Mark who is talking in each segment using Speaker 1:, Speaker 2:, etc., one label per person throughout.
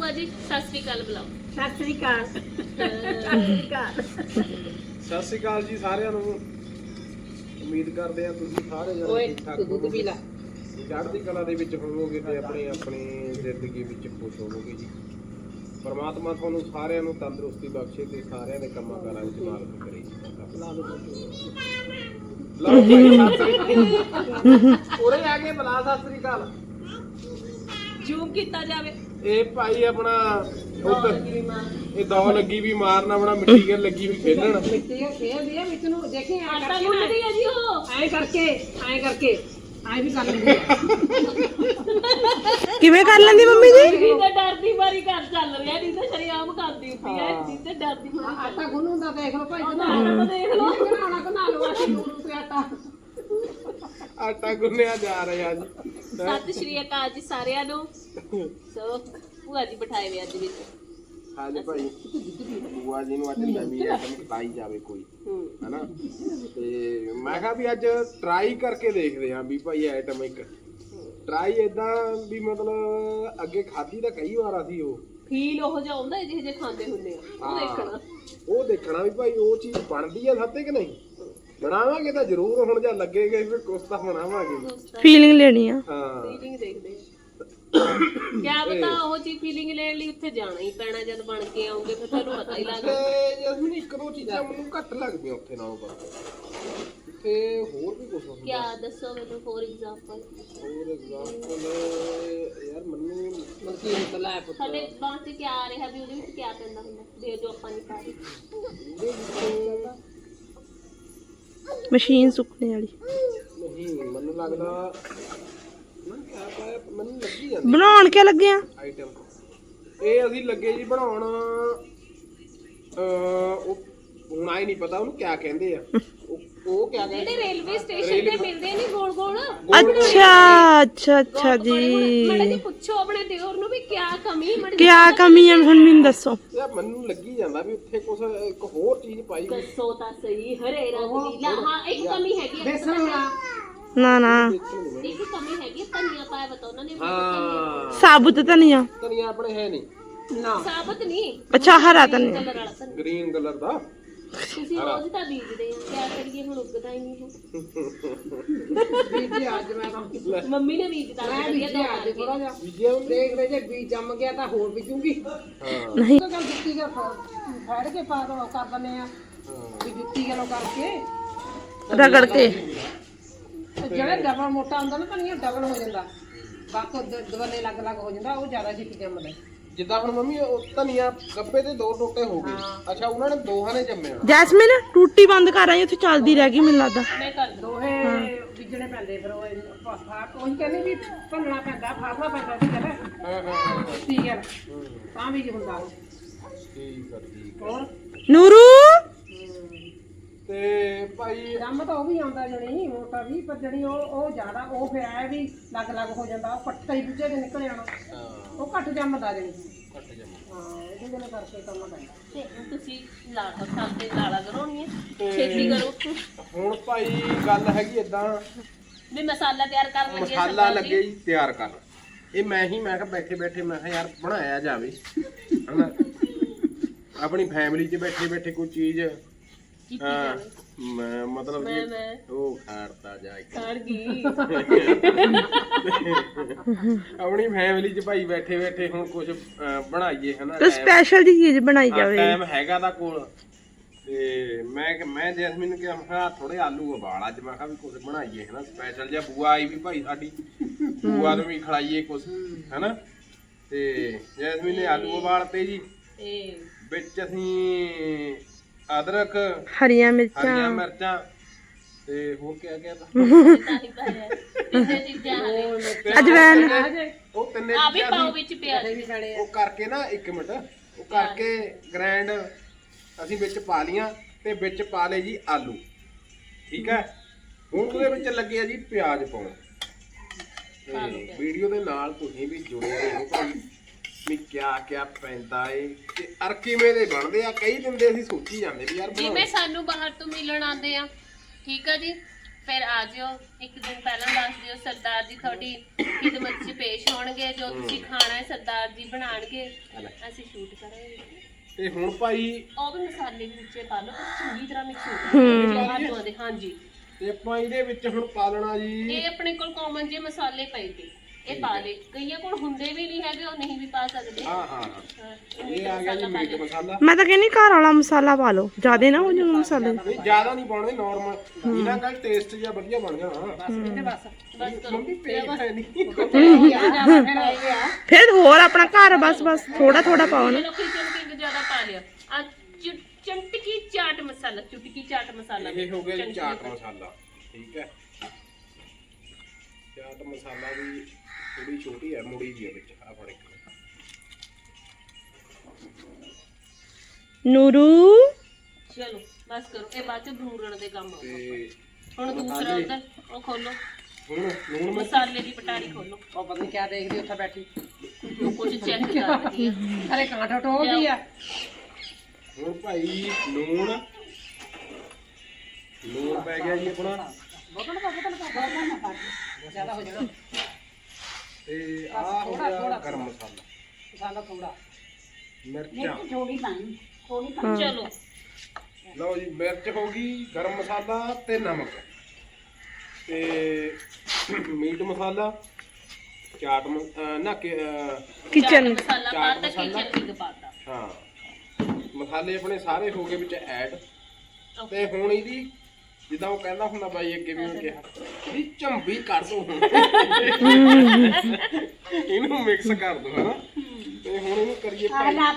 Speaker 1: ਭੂਆ ਜੀ ਸਤਿ ਸ੍ਰੀ ਅਕਾਲ ਬੁਲਾਓ।
Speaker 2: ਸਤਿ ਸ੍ਰੀ ਅਕਾਲ।
Speaker 3: ਸਤਿ ਸ਼੍ਰੀ ਅਕਾਲ ਜੀ ਸਾਰਿਆਂ ਨੂੰ। ਉਮੀਦ ਕਰਦੇ ਆ ਤੁਸੀਂ ਸਾਰੇ ਜਣੇ ਠੀਕ ਠਾਕ ਹੋਵੋਗੇ, ਚੜ੍ਹਦੀ ਕਲਾ ਦੇ ਵਿੱਚ ਹੋਵੋਗੇ ਤੇ ਆਪਣੀ ਜ਼ਿੰਦਗੀ ਵਿੱਚ ਖੁਸ਼ ਹੋਵੋਗੇ ਜੀ। ਪਰਮਾਤਮਾ ਤੁਹਾਨੂੰ ਸਾਰਿਆਂ ਨੂੰ ਤੰਦਰੁਸਤੀ ਬਖਸ਼ੇ ਤੇ ਸਾਰਿਆਂ ਦੇ ਕੰਮਾਂ ਕਾਰਾਂ ਵਿੱਚ ਮਾਲਕ ਕਰੇ। ਲਓ ਭਾਈ ਸਤਿ ਸ੍ਰੀ ਅਕਾਲ। ਉਰੇ ਆ ਕੇ ਬੁਲਾ ਸਤਿ ਸ੍ਰੀ ਅਕਾਲ।
Speaker 1: ਜ਼ੂਮ ਕੀਤਾ ਜਾਵੇ।
Speaker 3: ਇਹ ਭਾਈ ਆਪਣਾ ਉੱਧਰ ਇਹ ਦੌ ਲੱਗੀ ਵੀ ਮਾਰਨ, ਆਪਣਾ ਮਿੱਟੀ ਕੇ ਲੱਗੀ ਵੀ ਖੇਲਣ।
Speaker 2: ਮਿੱਟੀ ਖੇਲਦੀ ਆ ਵਿੱਚ ਨੂੰ ਦੇਖੇ
Speaker 1: ਆਟਾ ਗੁੰਨਦੀ ਆ ਜੀ ਉਹ।
Speaker 2: ਐਂ ਕਰਕੇ ਐਂ ਵੀ ਕਰ ਲੈਂਦੀ ਆ।
Speaker 4: ਕਿਵੇਂ ਕਰ ਲੈਂਦੀ ਮੰਮੀ ਜੀ?
Speaker 1: ਜੀ ਤੇ ਡਰਦੀ ਮਾਰੀ ਘਰ ਚੱਲ ਰਿਹਾ ਨਹੀਂ ਤਾਂ ਸ਼ਰੀਆਮ ਕਰਦੀ ਹੁੰਦੀ ਹੈ ਜੀ ਤੇ ਡਰਦੀ ਮਾਰੀ।
Speaker 2: ਆਟਾ ਗੁੰਨੂ ਦਾ ਦੇਖ ਲਓ ਭਾਈ
Speaker 1: ਆਟਾ ਦੇਖ ਲਓ।
Speaker 2: ਬਣਾ ਲਓ ਅਸੀਂ ਗੁੰਨੂ ਤੇ ਆਟਾ।
Speaker 3: ਆਟਾ ਗੁੰਨਿਆ ਜਾ ਰਿਹਾ ਜੀ।
Speaker 1: ਸਤਿ ਸ਼੍ਰੀ ਅਕਾਲ ਜੀ ਸਾਰਿਆਂ ਨੂੰ। ਸੋ ਭੂਆ ਜੀ ਬਿਠਾਏ ਵੇ ਅੱਜ ਵਿੱਚ।
Speaker 3: ਹਾਂਜੀ ਭਾਈ ਬੂਆ ਜੀ ਨੂੰ ਅੱਜ ਨਵੀਂ ਆਈਟਮ ਖਿਲਾਈ ਜਾਵੇ ਕੋਈ, ਹੈਨਾ। ਤੇ ਮੈਂ ਕਿਹਾ ਵੀ ਅੱਜ ਟਰਾਈ ਕਰਕੇ ਦੇਖਦੇ ਆਂ ਵੀ ਭਾਈ ਆਈਟਮ ਇੱਕ ਟਰਾਈ ਇਦਾਂ ਵੀ ਮਤਲਬ ਅੱਗੇ ਖਾਧੀ ਤਾਂ ਕਈ ਵਾਰ ਅਸੀਂ ਉਹ
Speaker 1: ਫੀਲ ਉਹ ਜਿਹਾ ਆਉਂਦਾ ਜਿਹੇ ਜੇ ਖਾਂਦੇ ਹੁੰਦੇ ਆ ਉਹ ਦੇਖਣਾ
Speaker 3: ਵੀ ਭਾਈ ਉਹ ਚੀਜ਼ ਬਣਦੀ ਆ ਸਾਤੇ ਕਿ ਨਹੀਂ। ਬਣਾਵਾਂਗੇ ਤਾਂ ਜ਼ਰੂਰ, ਹੁਣ ਜਾਂ ਲੱਗੇਗਾ ਫਿਰ ਕੁਛ ਤਾਂ ਬਣਾਵਾਂਗੇ।
Speaker 4: ਫੀਲਿੰਗ ਲੈਣੀ ਆ।
Speaker 3: ਹਾਂ
Speaker 1: ਫੀਲਿੰਗ ਦੇਖਦੇ ਆ। ਕਿਆ ਪਤਾ ਉਹ ਚੀਜ਼ ਫੀਲਿੰਗ ਲੈਣ ਲਈ ਉੱਥੇ ਜਾਣਾ ਹੀ ਪੈਣਾ, ਜਦ ਬਣ ਕੇ ਆਉਂਗੇ ਫਿਰ ਤੁਹਾਨੂੰ ਪਤਾ ਹੀ ਲੱਗਦਾ।
Speaker 3: ਤੇ ਜਸਮੀਨ ਇੱਕ ਦੋ ਚੀਜ਼ਾਂ ਮੈਨੂੰ ਘੱਟ ਲੱਗਦੀਆਂ ਉੱਥੇ ਨਾਲੋਂ ਪਰ ਉੱਥੇ ਹੋਰ ਵੀ ਕੁਝ ਹੁੰਦਾ।
Speaker 1: ਕਿਆ ਦੱਸੋ ਮੈਨੂੰ ਫੋਰ ਐਗਜ਼ਾਮਪਲ।
Speaker 3: ਫੋਰ ਐਗਜ਼ਾਮਪਲ ਯਾਰ ਮੈਨੂੰ
Speaker 2: ਮੱਕੀ ਨਿਕਲਾ ਹੈ ਪੁੱਤ।
Speaker 1: ਸਾਡੇ ਬਾਂਹ ਤੇ ਕਿਆ ਆ ਰਿਹਾ ਵੀ ਉਹਦੇ ਵਿੱਚ ਕਿਆ ਪੈਂਦਾ ਹੁੰਦਾ ਦੇ ਜੋ ਆਪਾਂ ਨਹੀਂ ਪਾ ਰਹੇ।
Speaker 4: ਮਸ਼ੀਨ ਸੁੱਕਣੇ ਵਾਲੀ
Speaker 3: ਨਹੀਂ ਮੈਨੂੰ ਲੱਗਦਾ ਨਾ ਕਿਆ ਪਾਇਆ, ਮੈਨੂੰ ਲੱਗੀ ਜਾਂਦੀ
Speaker 4: ਬਣਾਉਣ ਕੇ ਲੱਗੇ ਆ
Speaker 3: ਆਈਟਮ। ਇਹ ਅਸੀਂ ਲੱਗੇ ਜੀ ਬਣਾਉਣ ਉਹ ਹੁਣ ਆਈ ਨਹੀਂ ਪਤਾ ਉਹਨੂੰ ਕਿਆ ਕਹਿੰਦੇ ਆ। ਉਹ ਕਿਆ
Speaker 1: ਜਿਹੜੇ
Speaker 3: ਕਹਿੰਦੇ
Speaker 1: ਰੇਲਵੇ ਸਟੇਸ਼ਨ ਤੇ ਮਿਲਦੇ ਨਹੀਂ ਗੋਲ ਗੋਲ।
Speaker 4: ਅੱਛਾ ਜੀ।
Speaker 1: ਮਾੜਾ ਜੀ ਪੁੱਛੋ ਆਪਣੇ ਦਿਓਰ ਨੂੰ ਵੀ ਕਿਆ ਕਮੀ
Speaker 4: ਕਿਆ ਕਮੀ ਹੈ ਹੁਣ ਮੈਨੂੰ ਦੱਸੋ।
Speaker 3: ਯਾਰ ਮੈਨੂੰ ਲੱਗੀ ਜਾਂਦਾ ਵੀ ਉੱਥੇ ਕੁਝ ਇੱਕ ਹੋਰ ਚੀਜ਼ ਪਾਈ ਹੋਈ।
Speaker 1: ਦੱਸੋ ਤਾਂ ਸਹੀ। ਹਰੇ ਰੰਗ ਦੀ ਹਾਂ ਇੱਕ ਕਮੀ ਹੈਗੀ ਹੈ।
Speaker 2: ਬੇਸਣ ਵਾਲਾ
Speaker 4: ਨਾ
Speaker 1: ਇੱਕ ਕਮੀ ਹੈਗੀ ਧਨੀਆ ਪਾਇਆ ਬਤਾ ਉਹਨਾਂ ਨੇ।
Speaker 3: ਹਾਂ
Speaker 4: ਸਾਬੁਤ ਧਨੀਆ।
Speaker 3: ਧਨੀਆ ਆਪਣੇ ਹੈ ਨਹੀਂ
Speaker 2: ਨਾ
Speaker 1: ਸਾਬਤ ਨਹੀਂ।
Speaker 4: ਅੱਛਾ ਹਰਾ ਧਨੀਆ
Speaker 1: ਕਲਰ ਵਾਲਾ ਧਨੀਆ।
Speaker 3: ਗ੍ਰੀਨ ਕਲਰ ਦਾ।
Speaker 1: ਤੁਸੀਂ ਰੋਜ਼ ਤਾਂ ਬੀਜਦੇ ਆ, ਕਿਆ ਕਰੀਏ ਹੁਣ ਉੱਗਦਾ ਹੀ ਨਹੀਂ
Speaker 2: ਬੀਜੀ ਅੱਜ ਮੈਂ ਤਾਂ
Speaker 1: ਹੈ। ਮੰਮੀ ਨੇ ਬੀਜਦਾ
Speaker 2: ਮੈਂ ਬੀਜੀ ਅੱਜ ਥੋੜਾ ਜਿਹਾ
Speaker 3: ਬੀਜਿਆ ਉਹਨੇ?
Speaker 2: ਦੇਖਦੇ ਜੇ ਬੀਜ ਜੰਮ ਗਿਆ ਤਾਂ ਹੋਰ ਬੀਜੂਗੀ।
Speaker 3: ਹਾਂ
Speaker 4: ਨਹੀਂ
Speaker 2: ਤਾਂ ਗੱਲ ਜੁੱਤੀ ਕੇ ਫੜ ਕੇ ਪਾ ਦੋ ਕਰ ਦਿੰਦੇ ਆ ਵੀ ਜੁੱਤੀ ਗਲੋ ਕਰਕੇ
Speaker 4: ਰਗੜ ਕੇ।
Speaker 2: ਜਿਹੜਾ ਡਬਲ ਮੋਟਾ ਹੁੰਦਾ ਨਾ ਧਨੀਆ ਡਬਲ ਹੋ ਜਾਂਦਾ, ਬਾਕੀ ਦਵਨੇ ਲੱਗ ਲੱਗ ਹੋ ਜਾਂਦਾ, ਉਹ ਜ਼ਿਆਦਾ ਛੇਤੀ ਜੰਮਦਾ।
Speaker 3: ਜਿੱਦਾਂ ਹੁਣ ਮੰਮੀ ਉਹ ਧਨੀਆ ਗੱਬੇ ਤੇ ਦੋ ਟੋਟੇ ਹੋ ਗਏ। ਅੱਛਾ ਉਹਨਾਂ ਨੇ ਦੋਹਾਂ ਨੇ ਜੰਮਿਆ।
Speaker 4: ਜੈਸਮੀਨ ਟੂਟੀ ਬੰਦ ਕਰ ਆਈ, ਉੱਥੇ ਚੱਲਦੀ ਰਹਿ ਗਈ ਮੈਨੂੰ ਲੱਗਦਾ।
Speaker 1: ਮੈਂ ਕਰ ਦੂੰ।
Speaker 2: ਦੋਹੇ ਬੀਜਣੇ ਪੈਂਦੇ ਫਿਰ ਉਹ ਫਾਟ ਉਹੀ ਕਹਿੰਦੇ ਵੀ ਭੰਨਣਾ ਪੈਂਦਾ, ਫਾਟਣਾ ਪੈਂਦਾ ਸੀ ਕਹਿੰਦਾ ਠੀਕ ਹੈ ਤਾਂ ਵੀ ਹੁੰਦਾ ਉਹ।
Speaker 3: ਠੀਕ ਆ ਠੀਕ।
Speaker 2: ਹੋਰ
Speaker 4: ਨੂਰੂ
Speaker 3: ਤੇ ਭਾਈ
Speaker 2: ਜੰਮ ਤਾਂ ਉਹ ਵੀ ਆਉਂਦਾ ਜਣੀ ਮੋਟਾ ਵੀ, ਪਰ ਜਣੀ ਉਹ ਜ਼ਿਆਦਾ ਉਹ ਫਿਰ ਆਇਆ ਵੀ ਲੱਗ ਲੱਗ ਹੋ ਜਾਂਦਾ, ਉਹ ਪੱਟਾ ਹੀ ਦੂਜੇ ਦੇ ਨਿਕਲ ਜਾਣਾ, ਉਹ ਘੱਟ ਜੰਮਦਾ ਜਣੀ।
Speaker 3: ਘੱਟ ਜੰਮਿਆ।
Speaker 2: ਹਾਂ ਇਹਦੇ ਜਣੇ ਕਰਕੇ ਕੰਮ ਪੈਂਦਾ।
Speaker 1: ਤੇ ਤੁਸੀਂ ਲਾੜਾ ਖਾਤੇ ਲਾੜਾ ਕਰਾਉਣੀ ਹੈ ਛੇਤੀ ਕਰੋ।
Speaker 3: ਹੁਣ ਭਾਈ ਗੱਲ ਹੈਗੀ ਏਦਾਂ,
Speaker 1: ਵੀ ਮਸਾਲਾ ਤਿਆਰ ਕਰਨ ਲੱਗੇ
Speaker 3: ਮਸਾਲਾ ਲੱਗੇ ਜੀ ਤਿਆਰ ਕਰਨ। ਇਹ ਮੈਂ ਕਿਹਾ ਬੈਠੇ ਬੈਠੇ ਮੈਂ ਕਿਹਾ ਯਾਰ ਬਣਾਇਆ ਜਾਵੇ, ਹਨਾ। ਆਪਣੀ ਫੈਮਿਲੀ 'ਚ ਬੈਠੇ ਬੈਠੇ ਕੋਈ ਚੀਜ਼ ਮਤਲਬ ਕਿ ਉਹ ਖਾੜਤਾ ਜਾ
Speaker 1: ਖੜ ਗਈ।
Speaker 3: ਆਪਣੀ ਫੈਮਿਲੀ 'ਚ ਭਾਈ ਬੈਠੇ ਬੈਠੇ ਹੁਣ ਕੁਝ ਬਣਾਈਏ, ਹਨਾ।
Speaker 4: ਤੇ ਸਪੈਸ਼ਲ ਜੀ ਚੀਜ਼ ਬਣਾਈ ਜਾਵੇ।
Speaker 3: ਟਾਈਮ ਹੈਗਾ ਤਾਂ ਕੋਲ। ਤੇ ਮੈਂ ਜੈਸਮੀਨ ਨੂੰ ਕਿਹਾ ਥੋੜੇ ਆਲੂ ਉਬਾਲ ਅੱਜ, ਮੈਂ ਕਿਹਾ ਵੀ ਕੁਝ ਬਣਾਈਏ, ਹਨਾ ਸਪੈਸ਼ਲ ਜਿਹਾ। ਬੂਆ ਆਈ ਵੀ ਭਾਈ ਸਾਡੀ, ਬੂਆ ਨੂੰ ਵੀ ਖਿਲਾਈਏ ਕੁਝ, ਹਨਾ। ਤੇ ਜੈਸਮੀਨ ਨੇ ਆਲੂ ਉਬਾਲਤੇ ਜੀ। ਵਿੱਚ ਅਸੀਂ ਅਦਰਕ,
Speaker 4: ਹਰੀਆਂ
Speaker 3: ਹਰੀਆਂ
Speaker 4: ਮਿਰਚਾਂ
Speaker 3: ਮਿਰਚਾਂ ਤੇ ਹੋਰ ਕਿਆ ਕਿਆ ਤਾਂ
Speaker 4: ਅਜਵੈਨ।
Speaker 3: ਉਹ ਤਿੰਨੇ
Speaker 1: ਆ ਵੀ
Speaker 3: ਚੀਜ਼ਾਂ
Speaker 1: ਪਾਓ
Speaker 3: ਅਸੀਂ
Speaker 1: ਵਿੱਚ ਪਿਆ
Speaker 3: ਉਹ ਕਰਕੇ ਨਾ 1 ਮਿੰਟ ਉਹ ਕਰਕੇ ਗ੍ਰਾਈਂਡ ਅਸੀਂ ਵਿੱਚ ਪਾ ਲੀਆਂ ਤੇ ਵਿੱਚ ਪਾ ਲਏ ਜੀ ਆਲੂ। ਠੀਕ ਹੈ। ਹੁਣ ਉਹਦੇ ਵਿੱਚ ਲੱਗੇ ਆ ਜੀ ਪਿਆਜ਼ ਪਾਉਣ। ਤੇ ਵੀਡੀਓ ਦੇ ਨਾਲ ਤੁਸੀਂ ਵੀ ਜੁੜੇ ਰਹੋ ਭਾਈ ਵੀ ਕਿਆ ਕਿਆ ਪੈਂਦਾ ਏ ਤੇ ਅਰ ਕਿਵੇਂ ਦੇ ਬਣਦੇ ਆ। ਕਈ ਦਿਨ ਦੇ ਅਸੀਂ ਸੋਚੀ ਜਾਂਦੇ ਵੀ ਯਾਰ
Speaker 1: ਜਿਵੇਂ ਸਾਨੂੰ ਬਾਹਰ ਤੋਂ ਮਿਲਣ ਆਉਂਦੇ ਆ, ਠੀਕ ਆ ਜੀ। ਫਿਰ ਆ ਜਿਓ ਇੱਕ ਦਿਨ ਪਹਿਲਾਂ ਦੱਸ ਦਿਓ, ਸਰਦਾਰ ਜੀ ਤੁਹਾਡੀ ਖਿਦਮਤ 'ਚ ਪੇਸ਼ ਹੋਣਗੇ। ਜੋ ਤੁਸੀਂ ਖਾਣਾ ਹੈ ਸਰਦਾਰ ਜੀ ਬਣਾਉਣਗੇ, ਅਸੀਂ ਸ਼ੂਟ ਕਰਾਂਗੇ।
Speaker 3: ਤੇ ਹੁਣ ਭਾਈ
Speaker 1: ਉਹ ਵੀ ਮਸਾਲੇ ਦੇ ਵਿੱਚ ਪਾ ਲਓ, ਚੰਗੀ ਤਰ੍ਹਾਂ ਮਿਕਸ ਹੋ ਜਾਵੇ। ਹਾਂਜੀ,
Speaker 3: ਤੇ ਆਪਾਂ ਇਹਦੇ ਵਿੱਚ ਹੁਣ ਪਾ ਲੈਣਾ ਜੀ,
Speaker 1: ਇਹ ਆਪਣੇ ਕੋਲ ਕਾਮਨ ਜੇ ਮਸਾਲੇ ਪਏ ਤੇ ਇਹ ਪਾ ਲੇ। ਕਈਆਂ ਕੋਲ ਹੁੰਦੇ ਵੀ ਨਹੀਂ ਹੈਗੇ, ਉਹ ਨਹੀਂ ਵੀ ਪਾ ਸਕਦੇ।
Speaker 3: ਹਾਂ ਇਹ ਆ ਗਿਆ ਜੀ ਮੀਟ ਮਸਾਲਾ।
Speaker 4: ਮੈਂ ਤਾਂ ਕਹਿੰਦੀ ਘਰ ਵਾਲਾ ਮਸਾਲਾ ਪਾ ਲਓ, ਜ਼ਿਆਦਾ ਨਾ ਹੋ ਜਾਣ ਮਸਾਲੇ।
Speaker 3: ਨਹੀਂ ਜ਼ਿਆਦਾ ਨਹੀਂ ਪਾਉਣੇ, ਨਾਰਮਲ ਇਹਨਾਂ ਦਾ ਟੇਸਟ ਜਿਹਾ ਵਧੀਆ ਬਣ ਜਾਣਾ।
Speaker 1: ਬਸ ਕਰੋ।
Speaker 3: ਮੰਮੀ ਪੇਟ ਹੈ ਨਹੀਂ
Speaker 4: ਫਿਰ ਹੋਰ ਆਪਣਾ ਘਰ ਬਸ ਥੋੜਾ ਥੋੜਾ ਪਾਓ ਨਾ।
Speaker 1: ਚਲੋ ਕਿਚਨ ਕਿੰਗ ਜ਼ਿਆਦਾ ਪਾ ਲਿਆ। ਆ ਚਟਕੀ ਚਾਟ ਮਸਾਲਾ, ਚੁਟਕੀ ਚਾਟ ਮਸਾਲਾ
Speaker 3: ਇਹ ਹੋ ਗਿਆ ਜੀ ਚਾਟ ਮਸਾਲਾ। ਠੀਕ ਹੈ, ਚਾਟ ਮਸਾਲਾ ਵੀ ਥੋੜੀ ਛੋਟੀ ਹੈ, ਮੁੜੀ ਦੀ ਹੈ ਵਿੱਚ। ਆ ਫੜ ਇੱਕ
Speaker 4: ਨੂਰੂ
Speaker 1: ਚਲੋ ਬਸ ਕਰੋ, ਇਹ ਬਾਅਦ ਚ ਭੂਰਨ ਦੇ ਕੰਮ ਆਊਗਾ।
Speaker 3: ਤੇ
Speaker 1: ਹੁਣ ਦੂਸਰਾ ਉਧਰ ਉਹ ਖੋਲੋ,
Speaker 3: ਹੁਣ ਲੂਣ ਮਿਰਚ
Speaker 1: ਮਸਾਲੇ ਦੀ ਪਟਾਰੀ ਖੋਲੋ।
Speaker 2: ਉਹ ਪਤਾ ਨਹੀਂ ਕਿਆ ਦੇਖਦੀ ਉੱਥੇ ਬੈਠੀ,
Speaker 1: ਉਹ ਕੁਝ ਚੈੱਕ ਕਰ ਰਹੀ ਹੈ।
Speaker 2: ਅਰੇ ਕਾਂਠ ਟੋਲਦੀ ਆ।
Speaker 3: ਹੁਣ ਭਾਈ ਲੂਣ ਪੈ ਗਿਆ ਜੀ ਆਪਣਾ।
Speaker 2: ਜ਼ਿਆਦਾ ਹੋ ਜਾਣਾ
Speaker 3: ਤੇ ਆ ਹੋ ਗਿਆ ਗਰਮ ਮਸਾਲਾ,
Speaker 2: ਮਸਾਲਾ ਥੋੜਾ,
Speaker 3: ਮਿਰਚਾਂ।
Speaker 1: ਚਲੋ
Speaker 3: ਲਓ ਜੀ, ਮਿਰਚ ਹੋ ਗਈ, ਗਰਮ ਮਸਾਲਾ ਤੇ ਨਮਕ ਤੇ ਮੀਟ ਮਸਾਲਾ, ਚਾਟ
Speaker 4: ਕਿਚਨ
Speaker 1: ਮਸਾਲਾ ਪਾਤਾ, ਕਿਚਨ ਕਿੰਗ ਪਾਤਾ।
Speaker 3: ਹਾਂ, ਮਸਾਲੇ ਆਪਣੇ ਸਾਰੇ ਹੋ ਗਏ ਵਿੱਚ ਐਡ। ਤੇ ਹੁਣ ਇਹਦੀ ਜਿੱਦਾਂ ਉਹ ਕਹਿੰਦਾ ਹੁੰਦਾ ਬਾਈ ਅੱਗੇ ਵੀ ਉਹਨੇ ਕਿਹਾ ਵੀ ਝੰਬੀ ਕਰ ਦੋ ਹੁਣ, ਇਹਨੂੰ ਮਿਕਸ ਕਰ ਦੋ ਹਨਾ। ਤੇ ਹੁਣ ਇਹਨੂੰ ਕਰੀਏ ਭਾਈ ਹੈ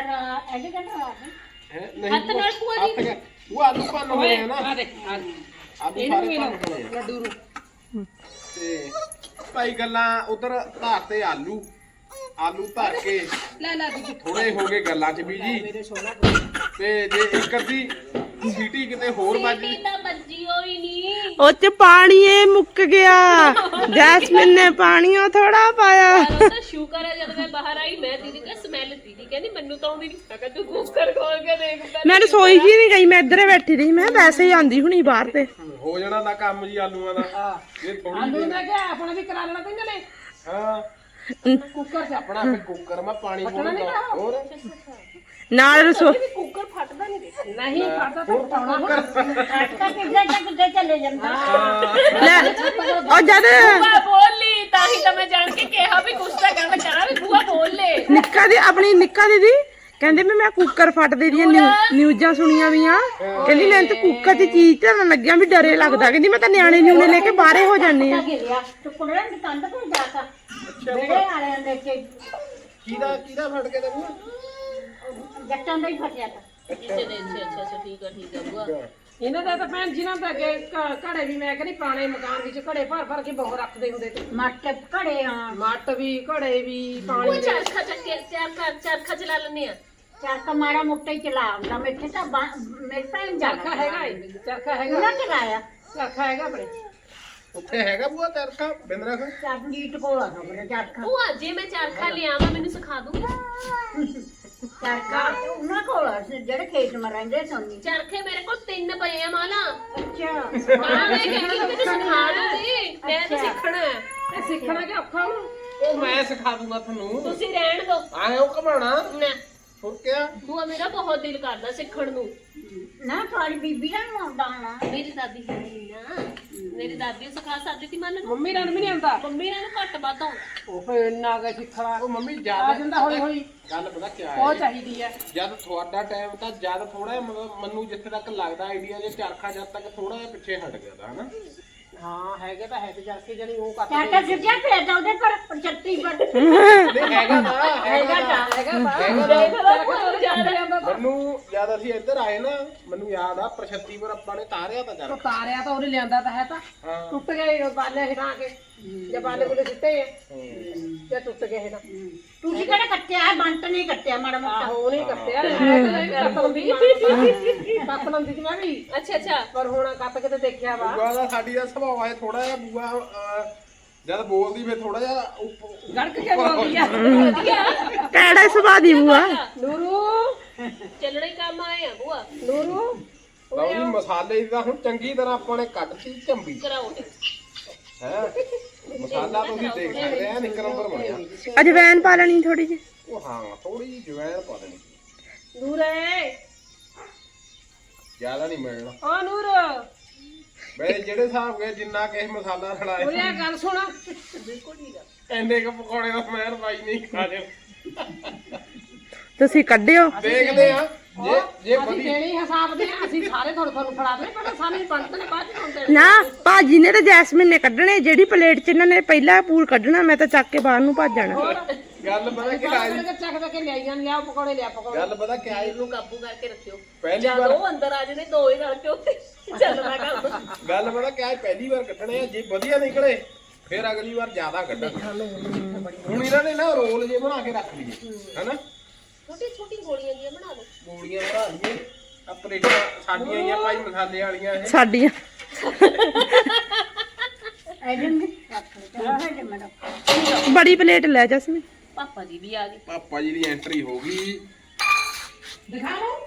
Speaker 3: ਨਹੀਂ
Speaker 1: ਹੱਥ ਨਾਲ ਭੂਆ ਜੀ।
Speaker 3: ਹੱਥ ਨਾਲ। ਉਹ ਆਲੂ ਭੰਨ ਹੋਏ ਆ ਨਾ,
Speaker 2: ਆ ਦੇਖ
Speaker 3: ਆਲੂ
Speaker 2: ਇਹਨੂੰ
Speaker 3: ਸਾਰੇ
Speaker 2: ਵੀ
Speaker 3: ਭੰਨ ਹੋਏ ਆ।
Speaker 2: ਲੱਡੂ ਨੂੰ
Speaker 3: ਤੇ ਭਾਈ ਗੱਲਾਂ ਉਧਰ ਧਾਰ ਤੇ ਆਲੂ ਧਰ ਕੇ
Speaker 2: ਲੈ ਦੀਦੀ
Speaker 3: ਥੋੜੇ ਹੋ ਗਏ ਗੱਲਾਂ 'ਚ ਵੀ ਜੀ।
Speaker 2: ਮੇਰੇ ਸੋਨਾ
Speaker 3: ਤੇ ਜੇ ਇੱਕ ਅੱਧੀ ਸੀਟੀ ਕਿਤੇ ਹੋਰ ਵੱਜ ਗਈ,
Speaker 1: ਤਾਂ ਬੱਜੀ ਹੋਈ ਨਹੀਂ।
Speaker 4: ਉਹ ਚ ਪਾਣੀ ਇਹ ਮੁੱਕ ਗਿਆ, ਜੈਸਮੀਨ ਨੇ ਪਾਣੀ ਉਹ ਥੋੜਾ ਪਾਇਆ।
Speaker 1: ਉਹ ਤਾਂ ਸ਼ੁਕਰ ਹੈ ਜਦ ਮੈਂ ਬਾਹਰ ਆਈ, ਮੈਂ ਦੀਦੀ ਦਾ ਸਮੈਲ ਦੀਦੀ ਕਹਿੰਦੀ ਮੈਨੂੰ ਤਾਂ ਆਉਂਦੀ ਨਹੀਂ। ਮੈਂ ਕਿਹਾ ਤੂੰ ਕੁੱਕਰ ਖੋਲ ਕੇ ਦੇਖ ਪਹਿਲਾਂ।
Speaker 4: ਮੈਂ ਰਸੋਈ 'ਚ ਹੀ ਨਹੀਂ ਗਈ, ਮੈਂ ਇੱਧਰ ਹੀ ਬੈਠੀ ਰਹੀ। ਮੈਂ ਵੈਸੇ ਹੀ ਆਂਦੀ ਹੁਣੀ ਬਾਹਰ ਤੇ।
Speaker 3: ਹੋ ਜਾਣਾ ਦਾ ਕੰਮ ਜੀ ਆਲੂਆਂ ਦਾ। ਇਹ ਥੋੜੀ
Speaker 2: ਆਲੂ ਦਾ ਕਿਆ ਆਪਣਾ ਵੀ ਕਰਾ ਲੈਣਾ ਪੈਂਦਾ ਨੇ
Speaker 3: ਹਾਂ,
Speaker 2: ਕੁੱਕਰ ਚ
Speaker 3: ਆਪਣਾ ਫਿਰ ਕੁੱਕਰ ਮੈਂ ਪਾਣੀ ਪਾਉਣਾ ਹੋਰ
Speaker 4: ਨਾਲ ਰਸੋ
Speaker 1: ਵੀ ਕੁੱਕਰ ਫਟਦਾ ਨਹੀਂ ਦੇਖੀ।
Speaker 2: ਨਹੀਂ ਫੜਦਾ ਤਾਂ ਪਟਾਉਣਾ ਹੁਣ
Speaker 4: ਲੈ ਉਹ ਜਦ
Speaker 1: ਬੂਆ ਬੋਲੀ ਤਾਂ ਹੀ ਤਾਂ ਮੈਂ ਜਾਣ ਕੇ ਕਿਹਾ ਵੀ ਕੁਛ ਤਾਂ ਗੱਲ ਕਰਾਂ, ਵੀ ਬੂਆ ਬੋਲ ਲੈ।
Speaker 4: ਨਿੱਕਾ ਦੀ ਆਪਣੀ ਨਿੱਕਾ ਦੀਦੀ ਕਹਿੰਦੇ ਮੈਂ ਕੁੱਕਰ ਫਟਦੇ ਦੀਆਂ ਨਿਊਜ਼ਾਂ ਸੁਣੀਆਂ ਵੀ ਆ। ਕਹਿੰਦੀ ਮੈਨੂੰ ਤਾਂ ਕੁੱਕਰ 'ਚ ਚੀਜ਼ ਧਰਨ ਲੱਗਿਆ ਵੀ ਡਰੇ ਲੱਗਦਾ। ਕਹਿੰਦੀ ਮੈਂ ਤਾਂ ਨਿਆਣੇ ਨਿਊਣੇ ਲੈ ਕੇ ਬਾਹਰੇ ਹੋ ਜਾਂਦੀ ਆ।
Speaker 3: ਕਿਹਦਾ ਫਟ ਕੇ ਤੈਨੂੰ?
Speaker 1: ਅੱਛਾ ਠੀਕ ਆ ਬੂਆ।
Speaker 2: ਇਹਨਾਂ ਦਾ ਤਾਂ ਭੈਣ ਜਿਨ੍ਹਾਂ ਦਾ ਅੱਗੇ ਘੜੇ ਵੀ ਮੈਂ ਕਹਿੰਦੀ ਪੁਰਾਣੇ ਮਕਾਨ ਵਿੱਚ ਘੜੇ ਭਰ ਕੇ ਬਹੁਤ ਰੱਖਦੇ ਹੁੰਦੇ ਤੇ ਮੱਟ ਵੀ ਘੜੇ ਵੀ ਪਾਣੀ
Speaker 1: ਉਹ
Speaker 2: ਦੇ
Speaker 1: ਚਰਖਾ ਚੱਕੇ ਚਰਖਾ ਚਲਾ ਲੈਂਦੇ ਆ।
Speaker 5: ਚਰਖਾ ਮਾੜਾ ਮੋਟਾ ਹੀ ਚਲਾਉਂਦਾ ਮੈਥੇ ਤਾਂ ਮੇਰੇ ਭੈਣ
Speaker 2: ਚਰਖਾ ਹੈਗਾ ਏ, ਚਰਖਾ ਹੈਗਾ
Speaker 5: ਉਹਨਾਂ ਚਲਾਇਆ
Speaker 2: ਚਰਖਾ ਹੈਗਾ ਆਪਣੇ
Speaker 3: ਉੱਥੇ ਹੈਗਾ ਬੂਆ ਚਰਖਾ ਬਿੰਦਰਾ ਖਾ
Speaker 5: ਚਰਨੀਟ ਕੋਲ ਆ ਖਬਰ ਚਰਖਾ
Speaker 1: ਭੂਆ ਜੇ ਮੈਂ ਚਰਖਾ ਲਿਆਵਾਂ ਮੈਨੂੰ ਸਿਖਾ ਦੂੰਗਾ।
Speaker 5: ਚਰਖਾ ਉਹਨਾਂ ਕੋਲ ਆ, ਜਿਹੜੇ ਖੇਤ ਮ ਰਹਿੰਦੇ ਸੋਨੀ
Speaker 1: ਚਰਖੇ ਮੇਰੇ ਕੋਲ 3 ਪਏ ਆ ਮਾਲਾ।
Speaker 5: ਅੱਛਾ
Speaker 1: ਮਾਂ ਨੇ ਕਹਿੰਦੀ ਮੈਨੂੰ ਸਿਖਾ ਦੂੰਗੀ, ਮੈਂ ਤਾਂ ਸਿੱਖਣਾ ਹੈ।
Speaker 2: ਇਹ ਸਿੱਖਣਾ ਕਿ ਔਖਾ ਹੁਣ
Speaker 3: ਉਹ ਮੈਂ ਸਿਖਾ ਦੂੰਗਾ ਤੁਹਾਨੂੰ।
Speaker 1: ਤੁਸੀਂ ਰਹਿਣ ਦਿਓ
Speaker 3: ਆਏ ਉਹ ਘਮਾਣਾ
Speaker 1: ਨਾ।
Speaker 3: ਹੋਰ ਕਿਆ?
Speaker 1: ਭੂਆ ਮੇਰਾ ਬਹੁਤ ਦਿਲ ਕਰਦਾ ਸਿੱਖਣ ਨੂੰ।
Speaker 5: ਨਾ ਤੁਹਾਡੀ ਬੀਬੀ ਨੂੰ ਆਉਂਦਾ ਹੋਣਾ
Speaker 1: ਮੇਰੀ ਦਾਦੀ ਹੈ ਨਹੀਂ ਨਾ, ਮੇਰੀ ਦਾਦੀ ਸਿਖਾ ਸਕਦੀ ਸੀ ਮੈਨੂੰ।
Speaker 2: ਮੰਮੀ ਨਾਲ ਵੀ ਨਹੀਂ ਆਉਂਦਾ
Speaker 1: ਮੰਮੀ ਨਾਲ ਘੱਟ ਵੱਧ ਆਉਂਦਾ।
Speaker 2: ਉਹ ਫੇਰ ਇੰਨਾ ਕੁ ਸਿੱਖਣਾ
Speaker 3: ਉਹ ਮੰਮੀ
Speaker 2: ਆ
Speaker 3: ਜਿਆਦਾ
Speaker 2: ਜਾਂਦਾ ਹੌਲੀ ਹੌਲੀ
Speaker 3: ਗੱਲ ਪਤਾ ਕਿਆ
Speaker 2: ਉਹ
Speaker 3: ਹੈ?
Speaker 2: ਚਾਹੀਦੀ ਹੈ
Speaker 3: ਜਦ ਤੁਹਾਡਾ ਟਾਈਮ ਤਾਂ ਜਦ ਥੋੜਾ ਮੈਨੂੰ ਜਿੱਥੇ ਤੱਕ ਲੱਗਦਾ ਆਈਡੀਆ ਜੇ ਚਰਖਾ ਜਦ ਤੱਕ ਥੋੜਾ ਜਿਹਾ ਪਿੱਛੇ ਹਟ ਗਿਆ ਤਾਂ ਹਨਾ।
Speaker 2: ਹਾਂ ਹੈਗੇ ਤਾਂ ਹੈ ਤੇ ਚਰਖੇ ਜਣੀ ਉਹ ਕੱਟ
Speaker 5: ਚਰਖਾ ਸਿੱਧਿਆ ਭੇਜਦਾ ਉਹਦੇ ਪਰ 75 ਪਰ
Speaker 3: ਨਹੀਂ ਹੈਗਾ ਨਾ
Speaker 5: ਹੈਗਾ
Speaker 3: ਨਾ।
Speaker 5: ਤਾਂ
Speaker 2: ਹੈਗਾ ਬਾ
Speaker 3: ਹੈਗਾ ਨਾ।
Speaker 2: ਜਾਂਦਾ
Speaker 3: ਮੈਨੂੰ ਜਦ ਅਸੀਂ ਇੱਧਰ ਆਏ ਨਾ, ਮੈਨੂੰ ਯਾਦ ਆ 75 ਪਰ ਆਪਾਂ ਨੇ ਤਾਰਿਆ ਤਾਂ ਚਰਖਾ।
Speaker 2: ਤਾਰਿਆ ਤਾਂ ਉਹਨੇ ਲਿਆਂਦਾ ਤਾਂ ਹੈ ਤਾਂ
Speaker 3: ਹਾਂ
Speaker 2: ਟੁੱਟ ਗਏ ਬਾਲੇ ਹਿਲਾ ਕੇ ਜੇ ਬਾਲੇ ਕੋਲੇ ਸਿੱਟੇ ਆ ਜੇ ਟੁੱਟ ਗਏ ਇਹ ਤਾਂ
Speaker 5: ਤੁਸੀਂ ਕਿਹੜਾ ਕੱਟਿਆ ਹੈ ਬੰਟ ਨਹੀਂ ਕੱਟਿਆ ਮਾੜਾ ਮੋਟਾ
Speaker 2: ਆਹੋ ਉਹਨੇ ਕੱਟਿਆ ਕੱਟ ਲੰਦੀ ਸੀ ਮੈਂ ਵੀ
Speaker 1: ਅੱਛਾ
Speaker 2: ਪਰ ਹੁਣ ਕੱਟ ਕੇ ਤੇ ਦੇਖਿਆ ਵਾ
Speaker 3: ਬੂਆ ਦਾ ਸਾਡੀ ਦਾ ਸੁਭਾਅ ਹੈ ਥੋੜਾ ਜਿਹਾ ਬੂਆ ਜਦ ਬੋਲਦੀ ਫੇ ਥੋੜਾ ਜਿਹਾ
Speaker 2: ਗੜਕ ਕੇ ਬੋਲਦੀ ਆ
Speaker 4: ਕਿਹੜਾ ਸੁਭਾਅ ਦੀ ਬੂਆ।
Speaker 2: ਨੂਰੂ
Speaker 1: ਚੱਲਣਾ ਹੀ ਕੰਮ ਆਏ ਆ ਭੂਆ।
Speaker 2: ਨੂਰੂ
Speaker 3: ਲਓ ਜੀ ਮਸਾਲੇ ਦੀ ਤਾਂ ਹੁਣ ਚੰਗੀ ਤਰ੍ਹਾਂ ਆਪਾਂ ਨੇ ਕੱਟਤੀ ਝੰਬੀ
Speaker 1: ਕਰਾਓ
Speaker 3: ਹੈ ਮਸਾਲਾ ਤੁਸੀਂ ਦੇਖ ਸਕਦੇ ਆ ਇੱਕ ਨੰਬਰ ਬਣਿਆ
Speaker 4: ਅਜਵੈਨ ਪਾ ਲੈਣੀ ਥੋੜੀ ਜਿਹੀ।
Speaker 3: ਉਹ ਹਾਂ ਥੋੜੀ ਜਿਹੀ ਜਵੈਣ ਪਾ ਦੇਣੀ
Speaker 2: ਨੂਰੇ
Speaker 3: ਜ਼ਿਆਦਾ ਨਹੀਂ ਮਿਲਣਾ
Speaker 2: ਓ ਨੂਰ
Speaker 3: ਮੈਂ ਜਿਹੜੇ ਹਿਸਾਬ ਕੇ ਜਿੰਨਾ ਕਿਸੇ ਮਸਾਲਾ
Speaker 2: ਉਰੇ
Speaker 3: ਰਲਾਇਆ
Speaker 2: ਆ ਗੱਲ ਸੁਣ
Speaker 3: ਐਨੇ ਕ ਪਕੌੜੇ ਦਾ ਮੈਂ ਬਾਈ ਨਹੀਂ ਖਾ ਲਿਓ
Speaker 4: ਤੁਸੀਂ ਕੱਢਿਓ।
Speaker 3: ਦੇਖਦੇ ਆ ਜੇ
Speaker 2: ਅਸੀਂ
Speaker 3: ਵਧੀ
Speaker 2: ਦੇਣੀ ਹਿਸਾਬ ਦੇ ਅਸੀਂ ਸਾਰੇ ਤੁਹਾਨੂੰ ਫੜਾ ਦੇ ਪਰ ਸਾਨੂੰ ਪੰਤ ਨੇ ਬਾਅਦ ਚ ਹੁੰਦੇ
Speaker 4: ਨਾ ਭਾਜੀ ਨੇ ਤੇ ਜੈਸਮੀਨ ਨੇ ਕੱਢਣੇ, ਜਿਹੜੀ ਪਲੇਟ 'ਚ ਇਹਨਾਂ ਨੇ ਪਹਿਲਾਂ ਪੂਲ ਕੱਢਣਾ, ਮੈਂ ਤਾਂ ਚੱਕ ਕੇ ਬਾਹਰ ਨੂੰ ਭੱਜ ਜਾਣਾ।
Speaker 3: ਗੱਲ ਪਤਾ ਕਿ ਆਈ
Speaker 2: ਚੱਕ ਕੇ ਲਿਆਈ ਜਾਂਦੇ ਆ ਪਕੌੜੇ ਲਿਆ ਪਕੌੜੇ
Speaker 3: ਗੱਲ ਪਤਾ ਕਿ ਆਈ
Speaker 1: ਨੂੰ ਕਾਬੂ ਕਰਕੇ ਰੱਖਿਓ
Speaker 3: ਪਹਿਲੀ ਵਾਰ
Speaker 1: ਉਹ ਅੰਦਰ ਆ ਜਨੇ ਦੋ ਹੀ ਰਲ ਕੇ ਉੱਤੇ ਚੱਲਣਾ ਕੰਮ
Speaker 3: ਗੱਲ ਪਤਾ ਕਿ ਆਈ ਪਹਿਲੀ ਵਾਰ ਕੱਢਣੇ ਆ, ਜੇ ਵਧੀਆ ਨਿਕਲੇ ਫਿਰ ਅਗਲੀ ਵਾਰ ਜ਼ਿਆਦਾ ਕੱਢਾਂਗੇ। ਹੁਣ ਇਹਨਾਂ ਨੇ ਨਾ ਰੋਲ ਜੇ ਬਣਾ ਕੇ ਰੱਖ ਲਈਏ ਹੈਨਾ,
Speaker 1: ਛੋਟੀ ਛੋਟੀ ਗੋਲੀਆਂ ਜੀਆਂ ਬਣਾ ਲਓ
Speaker 3: ਗੋਲੀਆਂ ਬਣਾ ਲਈਏ। ਆ ਪਲੇਟਾਂ ਸਾਡੀਆਂ ਹੀ ਆ ਭਾਈ ਮਸਾਲੇ ਵਾਲੀਆਂ ਇਹ
Speaker 4: ਸਾਡੀਆਂ
Speaker 5: ਐਡਨ ਨੇ ਰੱਖ ਲਿਆ ਹੈ ਮੈਡਮ।
Speaker 4: ਬੜੀ ਪਲੇਟ ਲੈ ਜੈਸਮੀਨ।
Speaker 1: ਪਾਪਾ ਜੀ ਵੀ ਆ ਗਏ
Speaker 3: ਪਾਪਾ ਜੀ ਦੀ ਐਂਟਰੀ ਹੋ ਗਈ।
Speaker 2: ਦਿਖਾ ਲਓ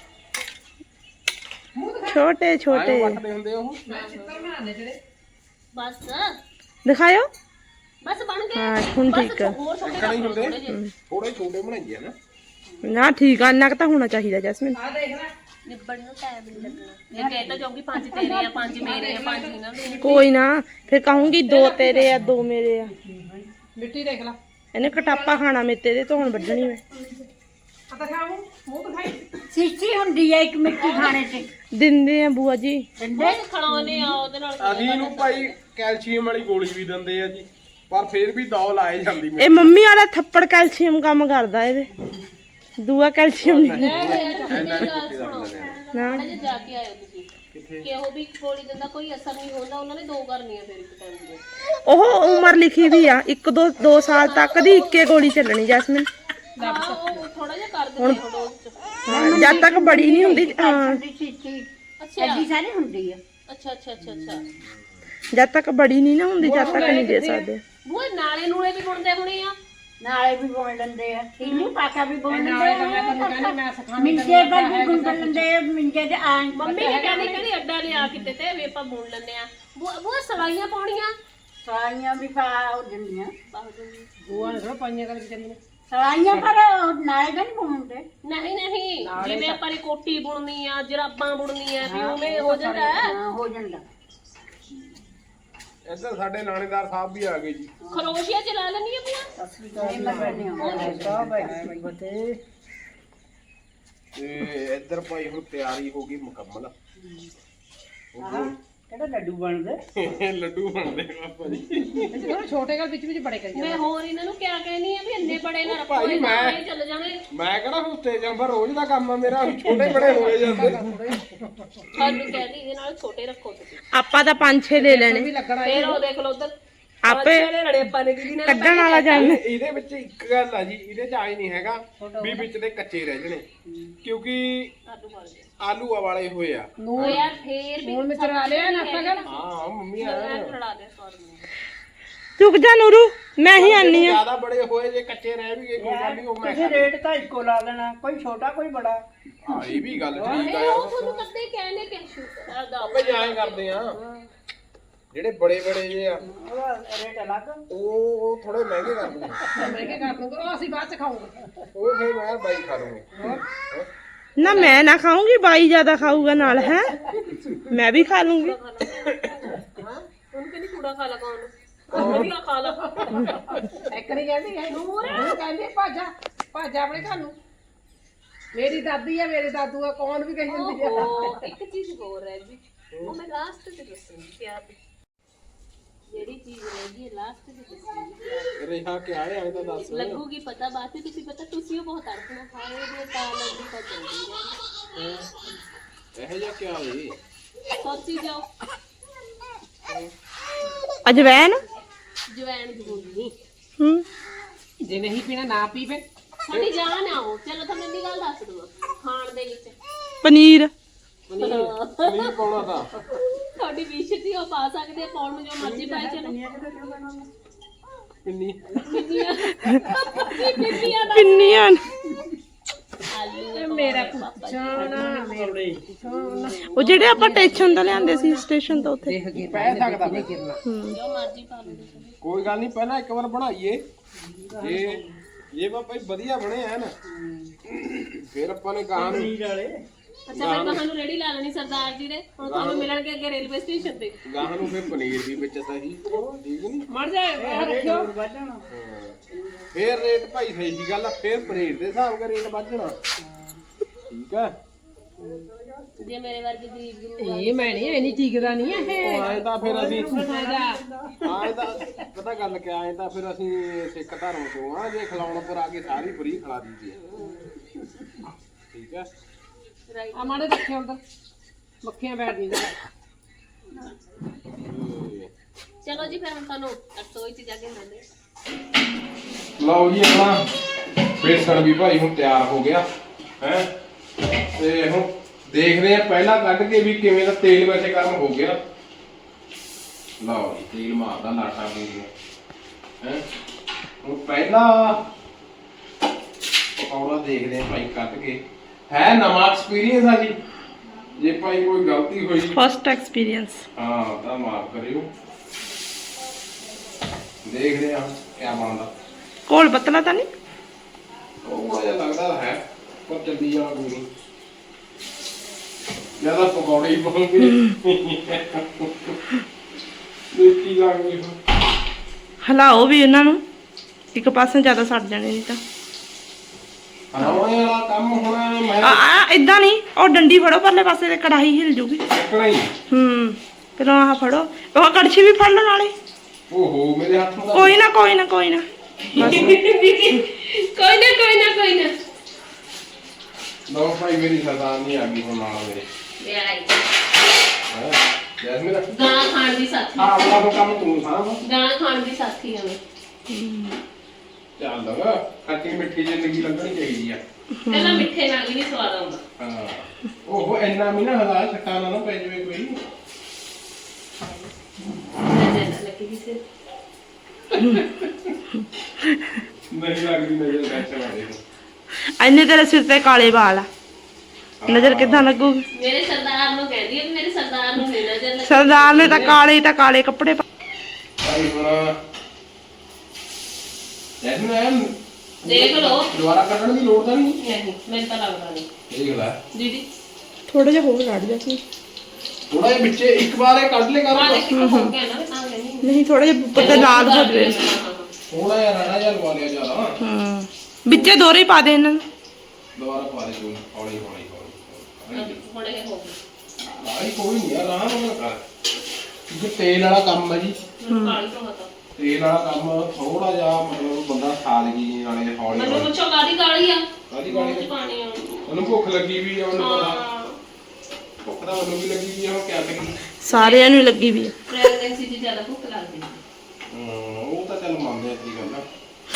Speaker 4: ਛੋਟੇ ਛੋਟੇ
Speaker 3: ਆਏ ਵੱਟਦੇ ਹੁੰਦੇ ਉਹ
Speaker 2: ਚਿੱਤਰ ਬਣਾਉਂਦੇ ਜਿਹੜੇ
Speaker 1: ਬਸ
Speaker 4: ਦਿਖਾਇਓ।
Speaker 1: ਬਸ ਬਣ ਗਏ
Speaker 4: ਹਾਂ ਹੁਣ
Speaker 1: ਬਸ
Speaker 4: ਠੀਕ ਆ।
Speaker 1: ਹੋਰ ਛੋਟੇ
Speaker 3: ਇੱਕਣੇ ਹੀ ਹੁੰਦੇ
Speaker 1: ਥੋੜੇ ਜਿਹੇ
Speaker 3: ਥੋੜੇ ਛੋਟੇ ਬਣਾਈਏ ਨਾ
Speaker 4: ਨਾ ਠੀਕ ਆ, ਇੰਨਾ ਕੁ ਤਾਂ ਹੋਣਾ ਚਾਹੀਦਾ ਜੈਸਮੀਨ।
Speaker 2: ਆ ਦੇਖ ਲੈ
Speaker 1: ਨਿਬੜਨ ਨੂੰ ਟਾਈਮ ਨਹੀਂ ਲੱਗਣਾ ਜੇ ਕਹਿ ਤਾਂ ਜਾਊਂਗੀ 5 ਤੇਰੇ ਆ 5 ਮੇਰੇ ਆ 5 ਇਹਨਾਂ ਦੇ
Speaker 4: ਕੋਈ ਨਾ, ਫਿਰ ਕਹੂੰਗੀ 2 ਤੇਰੇ ਆ 2 ਮੇਰੇ ਆ।
Speaker 2: ਮਿੱਟੀ ਦੇਖ ਲੈ
Speaker 4: ਇਹਨੇ ਕਟਾਪਾ ਖਾਣਾ ਮੇਤੇ ਦੇ, ਧੋਣ ਵੱਢਣੀ ਮੈਂ।
Speaker 2: ਆ ਦਿਖਾਉਂ ਮੂੰਹ ਦਿਖਾਈ
Speaker 5: ਸੀਸੀ ਹੁੰਦੀ ਹੈ ਇੱਕ ਮਿੱਟੀ ਖਾਣੇ ਤੇ
Speaker 4: ਦਿੰਦੇ ਆ ਬੂਆ ਜੀ।
Speaker 5: ਦਿੰਦੇ
Speaker 1: ਖੜਾਉਨੇ ਆ ਉਹਦੇ ਨਾਲ
Speaker 3: ਅਸੀਂ ਨੂੰ ਭਾਈ ਕੈਲਸ਼ੀਅਮ ਵਾਲੀ ਗੋਲੀ ਵੀ ਦਿੰਦੇ ਆ ਜੀ, ਪਰ ਫਿਰ ਵੀ ਦੌ ਲਾਏ ਜਾਂਦੀ
Speaker 4: ਇਹ ਮੰਮੀ ਵਾਲਾ ਥੱਪੜ ਕੈਲਸ਼ੀਅਮ ਕੰਮ ਕਰਦਾ ਇਹਦੇ, ਦੂਆ ਕੈਲਸ਼ੀਅਮ ਨਹੀਂ। ਨਾ
Speaker 1: ਜੇ ਜਾ ਕੇ ਆਇਓ ਤੁਸੀਂ ਕਿ ਉਹ ਵੀ ਗੋਲੀ ਦਿੰਦਾ ਕੋਈ ਅਸਰ ਨਹੀਂ ਹੁੰਦਾ, ਉਹਨਾਂ ਨੇ 2 ਕਰਨੀਆਂ ਫਿਰ ਇੱਕ ਟਾਈਮ ਦੀ
Speaker 4: ਉਹ ਉਮਰ ਲਿਖੀ ਵੀ ਆ 1-2 ਸਾਲ ਤੱਕ ਦੀ ਇੱਕੇ ਗੋਲੀ ਚੱਲਣੀ ਜੈਸਮੀਨ।
Speaker 1: ਹਾਂ ਉਹ ਥੋੜਾ ਜਿਹਾ ਕਰ ਦਿੰਦੇ ਆ ਡੋਜ਼ ਚ
Speaker 4: ਹਾਂ, ਜਦ ਤੱਕ ਬੜੀ ਨਹੀਂ ਹੁੰਦੀ। ਹਾਂ,
Speaker 5: ਦੀ ਸੀਸੀ
Speaker 1: ਅੱਛਾ
Speaker 5: ਐਡੀ ਸਾਰੀ ਹੁੰਦੀ ਹੈ।
Speaker 1: ਅੱਛਾ ਅੱਛਾ ਅੱਛਾ ਅੱਛਾ
Speaker 4: ਜਦ ਤੱਕ ਬੜੀ ਨਹੀਂ ਨਾ ਹੁੰਦੀ, ਜਦ ਤੱਕ ਨਹੀਂ ਦੇ ਸਕਦੇ।
Speaker 1: ਉਹ ਨਾਲੇ ਨੂਲੇ ਵੀ ਬੁਣਦੇ ਹੋਣੇ ਆ
Speaker 5: ਨਾਲੇ ਵੀ ਬੋਲ ਲੈਂਦੇ ਆ ਇਹਨੂੰ ਪਾਕਾ ਵੀ ਬੋਲ
Speaker 2: ਨਾਲੇ ਤਾਂ
Speaker 5: ਲੈਂਦੇ
Speaker 2: ਮੈਂ ਤੁਹਾਨੂੰ ਕਹਿੰਦੀ ਮੈਂ ਸਿਖਾਉਣੀ
Speaker 5: ਮਿੰਜੇ ਪਰ ਵੀ ਗੁੰਦ ਲੈਂਦੇ ਆ, ਮਿੰਜੇ ਦੇ ਆਂ
Speaker 1: ਮੰਮੀ ਨੇ ਕਹਿੰਦੀ ਅੱਡਾ ਲਿਆ ਕਿਤੇ ਤੇ ਵੀ ਆਪਾਂ ਬੁਣ ਲੈਂਦੇ ਆ ਉਹ ਸਲਾਈਆਂ ਪਾਉਣੀਆਂ
Speaker 5: ਸਲਾਈਆਂ ਵੀ ਪਾ ਹੋ ਜਾਂਦੀਆਂ
Speaker 2: ਗੋਆ ਨੇ ਥੋੜਾ ਪਾਈਆਂ ਕਰ ਜਾਂਦੇ ਨੇ
Speaker 5: ਸਲਾਈਆਂ ਪਰ ਨਾਲੇ ਤਾਂ ਨਹੀਂ ਬੋਲਦੇ।
Speaker 1: ਨਹੀਂ ਨਹੀਂ ਜਿਵੇਂ ਆਪਾਂ ਨੇ ਕੋਟੀ ਬੁਣਨੀ ਆ ਜਰਾਬਾਂ ਬੁਣਨੀਆਂ ਵੀ ਉਵੇਂ ਹੋ ਜਾਂਦਾ ਹੈ
Speaker 5: ਹਾਂ ਹੋ ਜਾਂਦਾ।
Speaker 3: ਇੱਧਰ ਸਾਡੇ ਲਾਣੇਦਾਰ ਸਾਹਿਬ ਵੀ ਆ ਗਏ ਜੀ।
Speaker 1: ਖਰੋਸ਼ੀਆ ਚਲਾ ਲੈਣੀ ਆ ਪੂਆ
Speaker 5: ਨਹੀਂ ਮਰਨੇ
Speaker 3: ਤੇ ਇੱਧਰ ਭਾਈ ਹੁਣ ਤਿਆਰੀ ਹੋ ਗਈ ਮੁਕੰਮਲ।
Speaker 5: ਕਿਹੜਾ ਲੱਡੂ ਬਣਦੇ
Speaker 3: ਲੱਡੂ ਬਣਦੇ ਪਾਪਾ ਜੀ।
Speaker 2: ਇਹ ਥੋੜਾ ਛੋਟੇ ਘਰ ਵਿੱਚ ਵਿੱਚ ਬੜੇ ਕਰੀ
Speaker 1: ਮੈਂ ਹੋਰ ਇਹਨਾਂ ਨੂੰ ਕਿਆ ਕਹਿਣੀ ਆ ਵੀ ਇੰਨੇ ਬੜੇ ਨਾ ਰੱਖੋ
Speaker 3: ਭਾਈ
Speaker 1: ਇਹ
Speaker 3: ਮੈਂ-
Speaker 1: ਨਾਲੇ ਚੱਲ ਜਾਣੇ
Speaker 3: ਮੈਂ ਕਿਹੜਾ ਹੁਣ ਸਟੇਜ ਅੰਬਰ ਰੋਜ਼ ਦਾ ਕੰਮ ਆ ਮੇਰਾ, ਛੋਟੇ ਬੜੇ ਹੋਏ ਜਾਂਦੇ।
Speaker 1: ਤੁਹਾਨੂੰ ਕਹਿੰਦੀ ਇਹਦੇ ਨਾਲ ਛੋਟੇ ਰੱਖੋ ਤੁਸੀਂ
Speaker 4: ਆਪਾਂ ਤਾਂ 5-6 ਲੈ ਲੈਣੇ,
Speaker 2: ਵੀ ਲੱਗਣਾ
Speaker 1: ਫੇਰ ਉਹ ਦੇਖ ਲਓ ਉਧਰ
Speaker 4: ਆਪੇ
Speaker 1: ਲੜੇ ਆਪਾਂ ਨੇ ਦੀਦੀ ਨੇ
Speaker 4: ਕੱਢਣ ਵਾਲਾ ਜਾਣ।
Speaker 3: ਇਹਦੇ ਵਿੱਚ ਇੱਕ ਗੱਲ ਆ ਜੀ, ਇਹਦੇ ਚ ਆਏ ਨਹੀਂ ਹੈਗਾ ਵੀ ਵਿੱਚ ਦੇ ਕੱਚੇ ਰਹਿ ਜਣੇ, ਕਿਉਂਕਿ
Speaker 1: ਆਲੂ ਵਾਲੇ
Speaker 3: ਆਲੂ ਵਾਲੇ ਹੋਏ ਆ।
Speaker 1: ਉਹ ਯਾਰ ਫੇਰ ਵੀ
Speaker 2: ਹੁਣ ਮੈਂ ਚਲਾ ਲਿਆ ਨਾ ਆਪਾਂ ਕਰ
Speaker 3: ਹਾਂ ਮੰਮੀ ਆ
Speaker 1: ਲੜਾ ਦੇ ਸੌਰ ਨੂੰ
Speaker 4: ਚੁੱਕ ਜਾ ਨੂਰੂ, ਮੈਂ ਹੀ ਆਨੀ ਆ।
Speaker 3: ਜਿਆਦਾ ਬੜੇ ਹੋਏ ਜੇ ਕੱਚੇ ਰਹਿ ਵੀ ਗਏ ਕੋਈ ਗੱਲ ਨਹੀਂ, ਉਹ ਮੈਂ ਖਾ
Speaker 5: ਰੇਟ ਤਾਂ ਇੱਕੋ ਲਾ ਲੈਣਾ, ਕੋਈ ਛੋਟਾ ਕੋਈ ਬੜਾ।
Speaker 3: ਹਾਂ ਇਹ ਵੀ ਗੱਲ ਠੀਕ ਆ
Speaker 1: ਉਹ
Speaker 3: ਯਾਰ।
Speaker 1: ਤੁਹਾਨੂੰ ਕਦੇ ਕਹਿਣੇ ਕਿ ਸ਼ੂਟ ਦਾ
Speaker 3: ਆਪੇ ਜਾਏ ਕਰਦੇ ਆ ਜਿਹੜੇ ਬੜੇ ਬੜੇ ਜੇ ਆ
Speaker 5: ਉਹਦਾ ਰੇਟ ਅਲੱਗ।
Speaker 3: ਉਹ ਥੋੜੇ ਮਹਿੰਗੇ ਕਰਦੇ ਆ,
Speaker 2: ਮਹਿੰਗੇ ਕਰ ਦੂੰਗਾ ਉਹ ਅਸੀਂ ਬਾਅਦ ਚ ਖਾਊਂਗੇ
Speaker 3: ਉਹ ਫਿਰ ਮੈਂ ਬਾਈ ਖਾ ਲੂੰਗਾ।
Speaker 4: ਨਾ ਮੈਂ ਨਾ ਖਾਊਂਗੀ, ਬਾਈ ਜ਼ਿਆਦਾ ਖਾਊਗਾ ਨਾਲ। ਹੈ ਮੈਂ ਵੀ ਖਾ ਲੂੰਗੀ।
Speaker 1: ਹਾਂ ਉਹਨੂੰ ਕਹਿੰਦੀ ਕੂੜਾ ਖਾ ਲਾ ਕੌਣ ਵੀ ਖਾ ਲਾ
Speaker 2: ਇੱਕ ਨਹੀਂ ਕਹਿੰਦੀ ਹੈ ਨੂਰ ਕਹਿੰਦੀ ਭਾਜਾ ਆਪਣੇ ਘਰ ਨੂੰ। ਮੇਰੀ ਦਾਦੀ ਆ ਮੇਰੇ ਦਾਦੂ ਆ ਕੌਣ ਵੀ ਕਹੀ ਜਾਂਦੀ ਆ।
Speaker 1: ਓਹੋ ਇੱਕ ਚੀਜ਼ ਹੋਰ ਹੈ ਜੀ ਉਹ ਮੈਂ ਲਾਸਟ ਤੇ ਦੱਸੂਗੀ ਪਿਆਰ ਦੀ ਜਿਹੜੀ ਚੀਜ਼ ਰਹਿ ਗਈ ਲਾਸਟ ਤੇ ਦੱਸੂਗੀ
Speaker 3: ਰਿਹਾ ਕਿ ਆਏ ਆਏ ਤਾਂ ਦੱਸ।
Speaker 1: ਲੱਗੂਗੀ ਪਤਾ ਬਾਤ ਹੈ ਤੁਸੀਂ ਪਤਾ ਤੁਸੀਂ ਉਹ ਬਹੁਤ ਅੜਕਣਾ ਖਾਏ ਦੇ ਤਾਂ ਲੱਗਦੀ ਤਾਂ ਚੰਗੀ ਹੈ
Speaker 3: ਇਹ ਜਿਹਾ ਕਿਆ ਹੋਈ
Speaker 1: ਸੋਚੀ ਜਾਓ
Speaker 4: ਅਜਵੈਨ
Speaker 1: ਜਵੈਣ ਜ਼ਰੂਰੀ
Speaker 4: ਹੂੰ
Speaker 2: ਜੇ ਨਹੀਂ ਪੀਣਾ ਨਾ ਪੀ ਫੇ
Speaker 1: ਸਾਡੀ ਜਾਨ ਆਓ ਚਲੋ ਤੁਹਾਨੂੰ ਇੰਨੀ ਗੱਲ ਦੱਸ ਦਵਾਂ ਖਾਣ ਦੇ ਵਿੱਚ
Speaker 4: ਪਨੀਰ
Speaker 3: ਪਨੀਰ ਪਾਉਣਾ ਤਾਂ
Speaker 1: ਤੁਹਾਡੀ ਵਿਸ਼ ਸੀ ਉਹ ਪਾ ਸਕਦੇ ਆ ਪਾਉਣ ਨੂੰ ਜੋ ਮਰਜ਼ੀ ਪਾਈ ਚਲੋ
Speaker 3: ਪਿੰਨੀ
Speaker 1: ਪਿੰਨੀਆਂ ਪਿੰਨੀਆਂ ਦਾ
Speaker 4: ਪਿੰਨੀਆਂ
Speaker 1: ਆਲੂ
Speaker 2: ਮੇਰਾ ਪੁੱਛਣਾ ਮੇਰੇ ਪੁੱਛਣਾ
Speaker 4: ਉਹ ਜਿਹੜੇ ਆਪਾਂ ਟੈਸ਼ਨ ਤੋਂ ਲਿਆਂਦੇ ਸੀ ਸਟੇਸ਼ਨ ਤੋਂ ਉੱਥੇ
Speaker 3: ਪੈ ਸਕਦਾ ਮੈਂ।
Speaker 1: ਜੋ ਮਰਜ਼ੀ ਪਾ ਲਓ
Speaker 3: ਕੋਈ ਗੱਲ ਨਹੀਂ, ਪਹਿਲਾਂ ਇੱਕ ਵਾਰ ਬਣਾਈਏ। ਇਹ ਵਾ ਭਾਈ ਵਧੀਆ ਬਣੇ ਹੈ ਨਾ, ਫਿਰ ਆਪਾਂ ਨੇ ਕਹਾਂ ਨੂੰ
Speaker 1: ਅੱਛਾ ਫਿਰ ਤੁਹਾਨੂੰ ਰੇੜੀ ਲਾ ਲੈਣੀ ਸਰਦਾਰ ਜੀ ਨੇ, ਹੁਣ ਤੁਹਾਨੂੰ ਮਿਲਣਗੇ ਅੱਗੇ ਰੇਲਵੇ ਸਟੇਸ਼ਨ ਤੇ।
Speaker 3: ਗਾਹਾਂ ਨੂੰ ਫਿਰ ਪਨੀਰ ਵੀ ਵਿੱਚ ਤਾਂ ਜੀ, ਠੀਕ ਨਹੀਂ?
Speaker 2: ਮਰ ਜਾਏ ਰੱਖਿਓ
Speaker 3: ਫੇਰ ਰੇਟ ਭਾਈ ਸਹੀ ਜੀ ਗੱਲ ਆ, ਫੇਰ ਪਨੀਰ ਦੇ ਹਿਸਾਬ ਨਾਲ ਰੇਟ ਵੱਧਣਾ, ਠੀਕ ਆ?
Speaker 1: ਜੇ ਮੇਰੇ ਵਰਗੇ ਗਰੀਬ ਗੁਰੂ
Speaker 2: ਇਹ ਮੈਂ ਨਹੀਂ ਐਨੀ ਟਿਕਦਾ ਨਹੀਂ ਇਹ
Speaker 3: ਆਏ ਤਾਂ ਫਿਰ ਅਸੀਂ
Speaker 2: ਫਾਇਦਾ
Speaker 3: ਆਏ ਤਾਂ ਪਤਾ ਗੱਲ ਕਿਆ, ਆਏ ਤਾਂ ਫਿਰ ਅਸੀਂ ਸਿੱਖ ਧਰਮ ਤੋਂ ਆ, ਜੇ ਖਿਲਾਉਣ ਪਰ ਆ ਕੇ ਸਾਰੀ ਫਰੀ ਖਿਲਾ ਦੀਦੀ, ਠੀਕ ਆ?
Speaker 2: ਆ ਮਾੜੇ ਰੱਖਿਓ ਅੰਦਰ ਮੱਖੀਆਂ ਬੈਠਦੀਆਂ
Speaker 1: ਚਲੋ ਜੀ ਫਿਰ ਹੁਣ ਤੁਹਾਨੂੰ ਰਸੋਈ 'ਚ ਜਾ ਕੇ ਮਿਲਦੇ।
Speaker 3: ਲਓ ਜੀ ਆਪਣਾ ਬੇਸਣ ਵੀ ਭਾਈ ਹੁਣ ਤਿਆਰ ਹੋ ਗਿਆ ਹੈ, ਤੇ ਹੁਣ ਦੇਖਦੇ ਆ ਪਹਿਲਾਂ ਕੱਢ ਕੇ ਵੀ ਕਿਵੇਂ ਦਾ ਤੇਲ ਵੈਸੇ ਗਰਮ ਹੋ ਗਿਆ। ਲਓ ਜੀ ਤੇਲ ਮਾਰਦਾ ਲਾਟਾ ਵੀ ਹੈ, ਹੁਣ ਪਹਿਲਾਂ ਪਕੌੜਾ ਦੇਖਦੇ ਆ ਭਾਈ ਕੱਢ ਕੇ। ਹੈ ਨਵਾਂ ਐਕਸਪੀਰੀਅੰਸ ਆ ਜੀ, ਜੇ ਭਾਈ ਕੋਈ ਗਲਤੀ ਹੋਈ
Speaker 4: ਫਸਟ ਐਕਸਪੀਰੀਅੰਸ।
Speaker 3: ਹਾਂ ਤਾਂ ਮਾਫ ਕਰਿਓ, ਦੇਖਦੇ ਆ ਕਿਆ ਬਣਦਾ।
Speaker 4: ਕੋਲ ਪਤਲਾ ਤਾਂ ਨਹੀਂ?
Speaker 3: ਉਹ ਜਿਹਾ ਲੱਗਦਾ ਹੈ ਪਰ ਚੱਲੀ ਜਾਣਾ ਕੋਈ ਨਹੀਂ, ਜਿਆਦਾ ਪਕੌੜੇ ਹੀ ਪਾਉਂਗੇ ਦੇਖੀ ਜਾਣਗੇ।
Speaker 4: ਹਿਲਾਓ ਵੀ ਇਹਨਾਂ ਨੂੰ, ਇੱਕ ਪਾਸੇ ਜ਼ਿਆਦਾ ਸੜ ਜਾਣੇ ਨਹੀਂ ਤਾਂ।
Speaker 3: ਹਲਾਉਣੇ ਵਾਲਾ ਕੰਮ ਹੁਣ ਮੈਂ
Speaker 4: ਆ ਇਦਾਂ ਨਹੀਂ, ਉਹ ਡੰਡੀ ਫੜੋ ਪਰਲੇ ਪਾਸੇ ਤੇ ਕੜਾਹੀ ਹਿਲ ਜੂਗੀ।
Speaker 3: ਚੱਕਣਾ ਹੀ।
Speaker 4: ਫਿਰ ਆਹ ਫੜੋ, ਉਹ ਕੜਛੀ ਵੀ ਫੜ ਲਓ ਨਾਲੇ।
Speaker 3: ਓਹੋ ਮੇਰੇ ਹੱਥ ਨੂੰ
Speaker 4: ਕੋਈ ਨਾ ਕੋਈ ਨਾ ਕੋਈ ਨਾ ਬਸ।
Speaker 1: ਕੋਈ ਨਾ
Speaker 3: ਲਓ ਭਾਈ ਮੇਰੀ ਸਰਦਾਰ ਨਹੀਂ ਆ ਗਈ ਹੁਣ ਨਾਲ ਮੇਰੇ
Speaker 1: ਵਿਆਹੀ
Speaker 3: ਹੈ ਜੈਸਮੀਨ।
Speaker 1: ਗਾਂ ਖਾਣ ਦੀ ਸਾਥੀ,
Speaker 3: ਹਾਂ ਆਪਣਾ ਕੰਮ ਤੂੰ ਸਾਂਭ।
Speaker 1: ਗਾਂ ਖਾਣ ਦੀ ਸਾਥੀ ਆ ਮੈਂ।
Speaker 3: ਚੱਲ ਖੱਟੀ ਮਿੱਠੀ ਜ਼ਿੰਦਗੀ ਲੱਗਣੀ ਚਾਹੀਦੀ ਆ।
Speaker 1: ਪਹਿਲਾਂ ਮਿੱਠੇ ਨਾਲ ਵੀ ਨਹੀਂ ਸਵਾਦ ਆਉਂਦਾ।
Speaker 3: ਹਾਂ ਓਹੋ ਇੰਨਾ ਵੀ ਨਾ ਹਲਾ ਛੱਟਾ ਨਾ ਪੈ ਜਾਵੇ ਕੋਈ।
Speaker 1: ਨਜ਼ਰ ਨਾ ਲੱਗੀ ਕਿਸੇ
Speaker 3: ਨਹੀਂ ਲੱਗਦੀ ਨਜ਼ਰ ਬੈਠੇ ਵਾਲੇ ਨੂੰ।
Speaker 4: ਇੰਨੇ ਤੇਰੇ ਸਿਰ ਤੇ ਕਾਲੇ ਵਾਲ ਆ, ਨਜ਼ਰ ਕਿੱਦਾਂ ਲੱਗੂਗੀ?
Speaker 1: ਮੇਰੇ ਸਰਦਾਰ ਨੂੰ ਕਹਿੰਦੀ ਹੈ ਵੀ ਮੇਰੇ ਸਰਦਾਰ ਨੂੰ ਨਹੀਂ ਨਜ਼ਰ ਲੱਗੀ।
Speaker 4: ਸਰਦਾਰ ਨੇ ਤਾਂ ਕਾਲੇ ਕੱਪੜੇ
Speaker 3: ਭਾਈ ਹੁਣ ਜੈਸਮੀਨ
Speaker 1: ਦੇਖ ਲਓ।
Speaker 3: ਦੁਬਾਰਾ ਕੱਢਣ ਦੀ ਲੋੜ ਤਾਂ ਨਹੀਂ।
Speaker 1: ਨਹੀਂ ਮੈਨੂੰ ਤਾਂ ਲੱਗਦਾ ਨਹੀਂ
Speaker 3: ਦੇਖ ਲੈ
Speaker 1: ਦੀਦੀ।
Speaker 4: ਥੋੜਾ ਜਿਹਾ ਹੋਰ ਕੱਢ ਜਾ ਸੀ।
Speaker 3: ਥੋੜਾ ਜਿਹਾ ਵਿੱਚੇ ਇੱਕ ਵਾਰ ਇਹ ਕੱਢ ਲੈ ਕਰ।
Speaker 1: ਆਹ ਦੇਖੋ ਹੋ ਗਿਆ ਨਾ ਤਾਂ ਨਹੀਂ।
Speaker 4: ਨਹੀਂ ਥੋੜਾ ਜਿਹਾ ਉੱਪਰ ਤੇ ਲਾਲ ਹੋ ਜਾਵੇ।
Speaker 3: ਥੋੜਾ ਜਿਹਾ ਰਾਣਾ ਜਿਹਾ ਲਵਾ ਲਿਆ ਜ਼ਿਆਦਾ।
Speaker 4: ਵਿੱਚੇ ਦੋਰੇ ਪਾ ਦੇ ਇਹਨਾਂ ਨੂੰ।
Speaker 3: ਦੁਬਾਰਾ ਪਾ ਦੇ ਤੂੰ ਹੌਲੀ ਹੌਲੀ।
Speaker 1: ਹੁਣ ਇਹ ਹੋ ਗਿਆ।
Speaker 3: ਲਾਈ ਕੋਈ ਨਹੀਂ ਯਾਰ ਆਰਾਮ ਨਾਲ ਕਰ, ਕਿਉਂਕਿ ਤੇਲ ਵਾਲਾ ਕੰਮ ਹੈ ਜੀ।
Speaker 1: ਕਾਲੀ ਤੋਂ ਮਤਾ
Speaker 3: ਤੇਲ ਵਾਲਾ ਕੰਮ ਥੋੜਾ ਜਿਹਾ ਮਤਲਬ ਬੰਦਾ ਸਾਦਗੀ ਨਾਲੇ ਹੌਲੀ
Speaker 1: ਮੈਨੂੰ
Speaker 3: ਹੌਲੀ।
Speaker 1: ਪੁੱਛੋ ਕਾਦੀ ਕਾਲੀ ਆ?
Speaker 3: ਕਾਹਦੀ ਕਾਲੀ?
Speaker 1: ਮੂੰਹ 'ਚ ਪਾਣੀ ਆ।
Speaker 3: ਉਹਨੂੰ ਭੁੱਖ ਲੱਗੀ ਵੀ ਆ, ਉਹਨੂੰ ਪਤਾ
Speaker 1: ਹਾਂ
Speaker 3: ਭੁੱਖ ਤਾਂ ਉਹਨੂੰ ਵੀ ਲੱਗੀ ਵੀ ਆ, ਉਹ ਕਿਆ ਕਰੀ।
Speaker 4: ਸਾਰਿਆਂ ਨੂੰ ਲੱਗੀ ਵੀ ਆ।
Speaker 1: ਪ੍ਰੈਗਨੈਂਸੀ 'ਚ ਜ਼ਿਆਦਾ ਭੁੱਖ ਲੱਗਦੀ ਹੈ।
Speaker 3: ਉਹ ਤਾਂ ਚੱਲ ਮੰਨਦੇ ਆ ਕੀ ਗੱਲ ਆ।